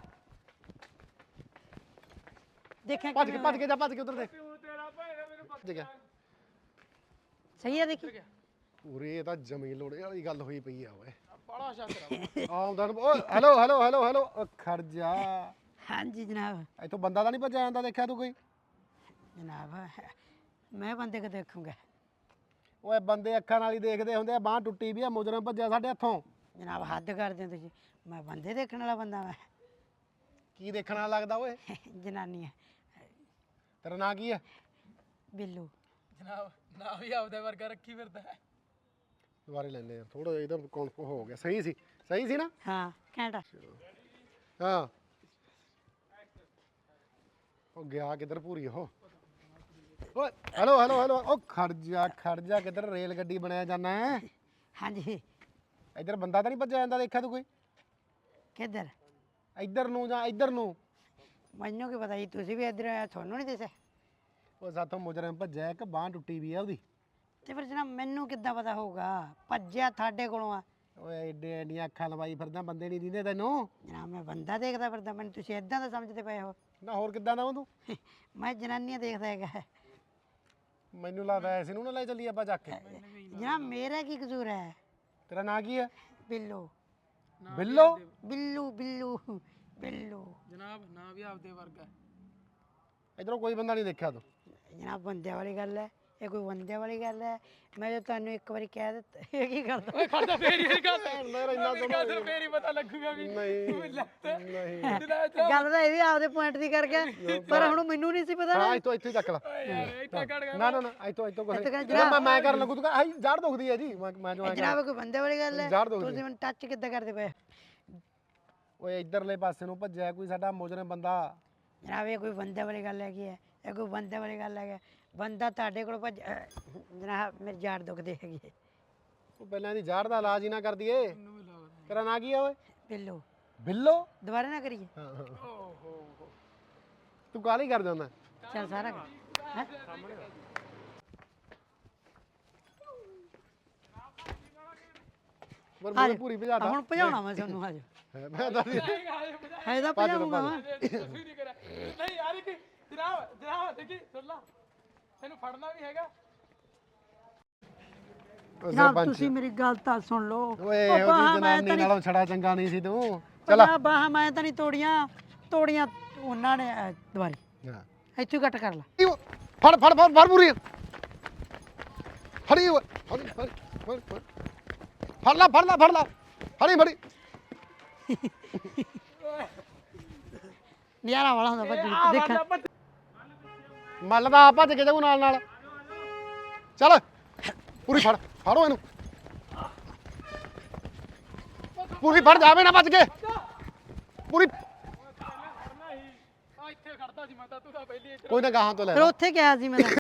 S1: ਦੇਖਿਆ
S9: ਭੱਜ ਕੇ ਭੱਜ ਕੇ ਜਾ, ਭੱਜ ਕੇ ਉਧਰ ਦੇ। ਭੱਜ ਗਿਆ।
S1: ਸਹੀ ਹੈ ਦੇਖੀ?
S9: ਪੂਰੀ ਇਹ ਤਾਂ ਜ਼ਮੀਨ ਲੋੜੇ ਵਾਲੀ ਗੱਲ ਹੋਈ ਪਈ ਆ ਓਏ।
S3: ਬੜਾ ਸ਼ੱਕ
S9: ਆਉਂਦਾ ਓਏ ਹੈਲੋ ਹੈਲੋ ਹੈਲੋ ਹੈਲੋ ਓ ਖੜ ਜਾ।
S1: ਹਾਂਜੀ ਜਨਾਬ।
S9: ਇੱਥੋਂ ਬੰਦਾ ਤਾਂ ਨਹੀਂ ਭੱਜਿਆ ਜਾਂਦਾ ਦੇਖਿਆ ਤੂੰ ਕੋਈ?
S1: ਜਨਾਬ ਮੈਂ ਬੰਦੇ ਕੋ ਦੇਖੂੰਗਾ।
S9: ਓਏ ਬੰਦੇ ਅੱਖਾਂ ਨਾਲ ਹੀ ਦੇਖਦੇ ਹੁੰਦੇ ਆ, ਬਾਹ ਟੁੱਟੀ ਵੀ ਆ, ਮੁਜਰਮ ਭੱਜਿਆ ਸਾਡੇ ਹੱਥੋਂ।
S1: ਜਨਾਬ ਹੱਦ ਕਰਦੇ ਹੋ ਤੁਸੀਂ, ਮੈਂ ਬੰਦੇ ਦੇਖਣ ਵਾਲਾ ਬੰਦਾ ਮੈਂ।
S9: ਕੀ ਦੇਖਣ ਵਾਲਾ ਲੱਗਦਾ ਓਏ?
S1: ਜਨਾਨੀ ਹੈ।
S9: ਤੇਰਾ ਨਾਂ ਕੀ ਹੈ?
S1: ਬਿੱਲੂ।
S3: ਜਨਾਬ ਨਾ ਵੀ ਆਪਦੇ ਵਰਗਾ ਰੱਖੀ ਫਿਰਦਾ ਹੈ।
S9: ਦੁਬਾਰੇ ਲੈਂਦੇ ਆ ਥੋੜਾ ਜਿਹਾ, ਇਹਦਾ ਕੌਣ ਹੋ ਗਿਆ। ਸਹੀ ਸੀ, ਸਹੀ ਸੀ ਨਾ?
S1: ਹਾਂ ਘੰਟਾ।
S9: ਹਾਂ ਉਹ ਗਿਆ ਕਿੱਧਰ ਪੂਰੀ ਉਹ? ਓਏ ਹੈਲੋ ਹੈਲੋ ਹੈਲੋ ਉਹ ਖੜ ਜਾ ਖੜ ਜਾ, ਕਿੱਧਰ ਰੇਲ ਗੱਡੀ ਬਣਾਇਆ ਜਾਣਾ ਹੈ?
S1: ਹਾਂਜੀ।
S9: ਇੱਧਰ ਬੰਦਾ ਤਾਂ ਨਹੀਂ ਭੱਜਿਆ ਜਾਂਦਾ ਦੇਖਿਆ ਤੂੰ ਕੋਈ?
S1: ਕਿੱਧਰ?
S9: ਇੱਧਰ ਨੂੰ ਜਾਂ ਇੱਧਰ ਨੂੰ?
S1: ਮੈਨੂੰ ਕੀ ਪਤਾ ਜੀ, ਤੁਸੀਂ ਵੀ ਇੱਧਰ ਆਏ, ਤੁਹਾਨੂੰ ਨਹੀਂ ਦਿਸਿਆ?
S9: ਉਹ ਸਾਥੋਂ ਮੁਜਰਮ ਭੱਜਿਆ, ਇੱਕ ਬਾਹ ਟੁੱਟੀ ਵੀ ਆ ਉਹਦੀ।
S1: ਤੇ ਫਿਰ ਜਨਾਬ ਮੈਨੂੰ ਕਿੱਦਾਂ ਪਤਾ ਹੋਊਗਾ? ਭੱਜਿਆ ਤੁਹਾਡੇ ਕੋਲੋਂ ਆ।
S9: ਓਏ ਐਡੇ ਐਡੀਆਂ ਅੱਖਾਂ ਲਵਾਈ ਫਿਰਦਾ, ਬੰਦੇ ਨਹੀਂ ਦਿੰਦੇ ਤੈਨੂੰ?
S1: ਜਨਾਬ ਮੈਂ ਬੰਦਾ ਦੇਖਦਾ ਫਿਰਦਾ, ਮੈਨੂੰ ਤੁਸੀਂ ਇਦਾਂ ਦਾ ਸਮਝਦੇ ਪਏ ਹੋ?
S9: ਨਾ ਹੋਰ ਕਿੱਦਾਂ ਦਾ ਤੂੰ?
S1: ਮੈਂ ਜਨਾਨੀਆਂ ਦੇਖਦਾ ਹੈਗਾ।
S9: ਮੈਨੂੰ ਲੱਗਦਾ ਐਸੇ ਨੂੰ ਨਾ ਲੈ ਚੱਲੀ ਆਪਾਂ ਚੱਕ ਕੇ।
S1: ਜਨਾਬ ਮੇਰਾ ਕੀ ਕਸੂਰ ਹੈ?
S9: ਤੇਰਾ ਨਾਂ ਕੀ ਹੈ?
S1: ਬਿੱਲੂ।
S9: ਬਿੱਲੋ?
S1: ਬਿੱਲੂ ਬਿੱਲੂ ਬਿੱਲੂ।
S3: ਜਨਾਬ ਨਾ ਵੀ ਆਪਦੇ ਵਰਗਾ।
S9: ਇੱਧਰੋਂ ਕੋਈ ਬੰਦਾ ਨਹੀਂ ਦੇਖਿਆ ਤੂੰ?
S1: ਜਨਾਬ ਬੰਦਿਆਂ ਵਾਲੀ ਗੱਲ ਹੈ, ਇਹ ਕੋਈ ਬੰਦਿਆਂ ਵਾਲੀ ਗੱਲ ਹੈ? ਮੈਂ ਜੇ ਤੁਹਾਨੂੰ ਇੱਕ ਵਾਰੀ ਕਹਿ ਦਿੱਤਾ, ਇਹ ਕੀ ਕਰਦਾ?
S3: ਓਏ ਖੜਦਾ ਫੇਰ ਹੀ ਇਹ ਗੱਲ
S9: ਮੇਰਾ ਇੰਨਾ
S3: ਮੇਰੀ ਗੱਲ ਸੁਣ, ਫੇਰ ਹੀ ਪਤਾ ਲੱਗੂਗਾ ਵੀ
S9: ਨਹੀਂ ਨਹੀਂ
S1: ਗੱਲ ਤਾਂ ਇਹ ਵੀ ਆਪਦੇ ਪੁਆਇੰਟ ਦੀ ਕਰ ਗਿਆ, ਪਰ ਹੁਣ ਮੈਨੂੰ ਨਹੀਂ ਸੀ ਪਤਾ ਨਾ।
S9: ਹਾਂ ਇੱਥੋਂ ਇੱਥੇ ਚੱਕ ਲਾ।
S3: ਯਾਰ ਇੱਥੇ ਕੱਢ ਗਿਆ।
S9: ਨਾ ਨਾ ਨਾ ਇੱਥੋਂ ਇੱਥੋਂ ਕੋਈ
S1: ਇੱਥੇ ਕਰ
S9: ਮੈਂ ਮੈਂ ਕਰਨ ਲੱਗੂ ਤੂੰ ਕਹ ਆਈ ਜੜ ਦੁਖਦੀ ਹੈ ਜੀ, ਮੈਂ ਮੈਂ ਜੋ
S1: ਜਨਾਬ ਕੋਈ ਬੰਦੇ ਵਾਲੀ ਗੱਲ ਹੈ?
S9: ਜੜ ਦੁਖਦੀ
S1: ਤੁਸੀਂ ਮੈਨੂੰ ਟੱਚ ਕਿੱਦਾਂ ਕਰਦੇ ਪਏ?
S9: ਓਏ ਇੱਧਰਲੇ ਪਾਸੇ ਨੂੰ ਭੱਜਿਆ ਕੋਈ ਸਾਡਾ ਮੁਜਰਮ ਬੰਦਾ।
S1: ਜਨਾਬ ਇਹ ਕੋਈ ਬੰਦੇ ਵਾਲੀ ਗੱਲ ਹੈਗੀ ਹੈ? ਇਹ ਕੋਈ ਬੰਦੇ ਵਾਲੀ ਗੱਲ ਹੈਗੀ? ਬੰਦਾ ਤੁਹਾਡੇ ਕੋਲ ਭੱਜ ਜਨਾਬ ਮੇਰੀ ਜਾੜ ਦੁਖਦੀ ਹੈਗੀ ਹੈ।
S9: ਉਹ ਪਹਿਲਾਂ ਦੀ ਜੜ ਦਾ ਇਲਾਜ ਹੀ ਨਾ ਕਰ ਦਈਏ। ਤੇਰਾ ਨਾਂ ਕੀ ਹੈ ਓਏ?
S1: ਬਿੱਲੂ।
S9: ਬਿੱਲੋ?
S1: ਦੁਬਾਰਾ ਨਾ ਕਰੀਏ।
S9: ਤੂੰ ਕਾਹਲੀ ਕਰ ਜਾਂਦਾ?
S1: ਚੱਲ ਸਾਰਾ ਕਰ ਹੈਂ?
S9: ਪਰ
S1: ਆ
S9: ਮੈਨੂੰ
S1: ਜਾਓ।
S9: ਪੂਰੀ ਭਜਾਤਾ।
S1: ਹੁਣ ਭਜਾਉਣਾ ਮੈਂ ਤੁਹਾਨੂੰ ਆ ਜਾਓ।
S9: ਮੈਂ ਤਾਂ
S1: ਹੈ ਤਾਂ ਭਜਾਉਂਗਾ ਮੈਂ।
S3: ਨਹੀਂ ਕਰਿਆ ਨਹੀਂ ਯਾਰ ਕਿ ਜਨਾਬ ਜਨਾਬ ਦੇਖੀ ਸੁਣ ਲਾ, ਤੈਨੂੰ ਫੜਨਾ ਵੀ ਹੈਗਾ।
S1: ਜਨਾਬ ਤੁਸੀਂ ਮੇਰੀ ਗੱਲ ਤਾਂ ਸੁਣ ਲਓ।
S9: ਓਏ
S1: ਉਹ
S9: ਉਹਦੀ
S1: ਬਾਹਾਂ ਮੈਂ
S9: ਜਨਾਨੀ
S1: ਤਾਂ ਨਹੀਂ
S9: ਨਾਲੋਂ ਛੜਾ ਚੰਗਾ ਨਹੀਂ ਸੀ ਤੂੰ। ਚਲ
S1: ਚਲਾ ਬਾਹਾਂ ਮੈਂ ਤਾਂ ਨਹੀਂ ਤੋੜੀਆਂ, ਤੋੜੀਆਂ ਉਹਨਾਂ ਨੇ। ਅਹ, ਦੁਬਾਰੀ
S9: ਹਾਂ
S1: ਇੱਥੋਂ ਹੀ ਕੱਟ ਕਰ ਲਾ।
S9: ਫੜ ਫੜ ਫੜ ਫੜ ਪੂਰੀ ਫੜੀ ਓਏ, ਫੜੀ ਫੜੀ ਫੜ ਫੜ ਫੜ ਲਾ ਫੜ ਲਾ ਫੜ ਲਾ ਫੜੀ ਫੜੀ।
S1: ਨਜ਼ਾਰਾ ਵਾਲਾ ਹੁੰਦਾ ਭੱਜ ਦੇਖਾਂ।
S9: ਮੱਲਦਾ ਆ ਭੱਜ ਕੇ ਜਾਊ ਨਾਲ ਨਾਲ। ਚੱਲ ਪੂਰੀ ਫੜ ਫੜੋ ਇਹਨੂੰ, ਪੂਰੀ ਫੜ ਜਾਵੇ ਨਾ ਭੱਜ ਕੇ ਪੂਰੀ।
S3: ਆ ਇੱਥੇ ਖੜਦਾ ਸੀ ਮੈਂ ਤਾਂ, ਤੂੰ ਤਾਂ ਪਹਿਲੀ
S9: ਕੋਈ ਨਾ ਗਾਹਾਂ ਤੋਂ ਲੈ
S1: ਫਿਰ ਉੱਥੇ ਕਿਹਾ ਸੀ ਮੈਂ ਤਾਂ।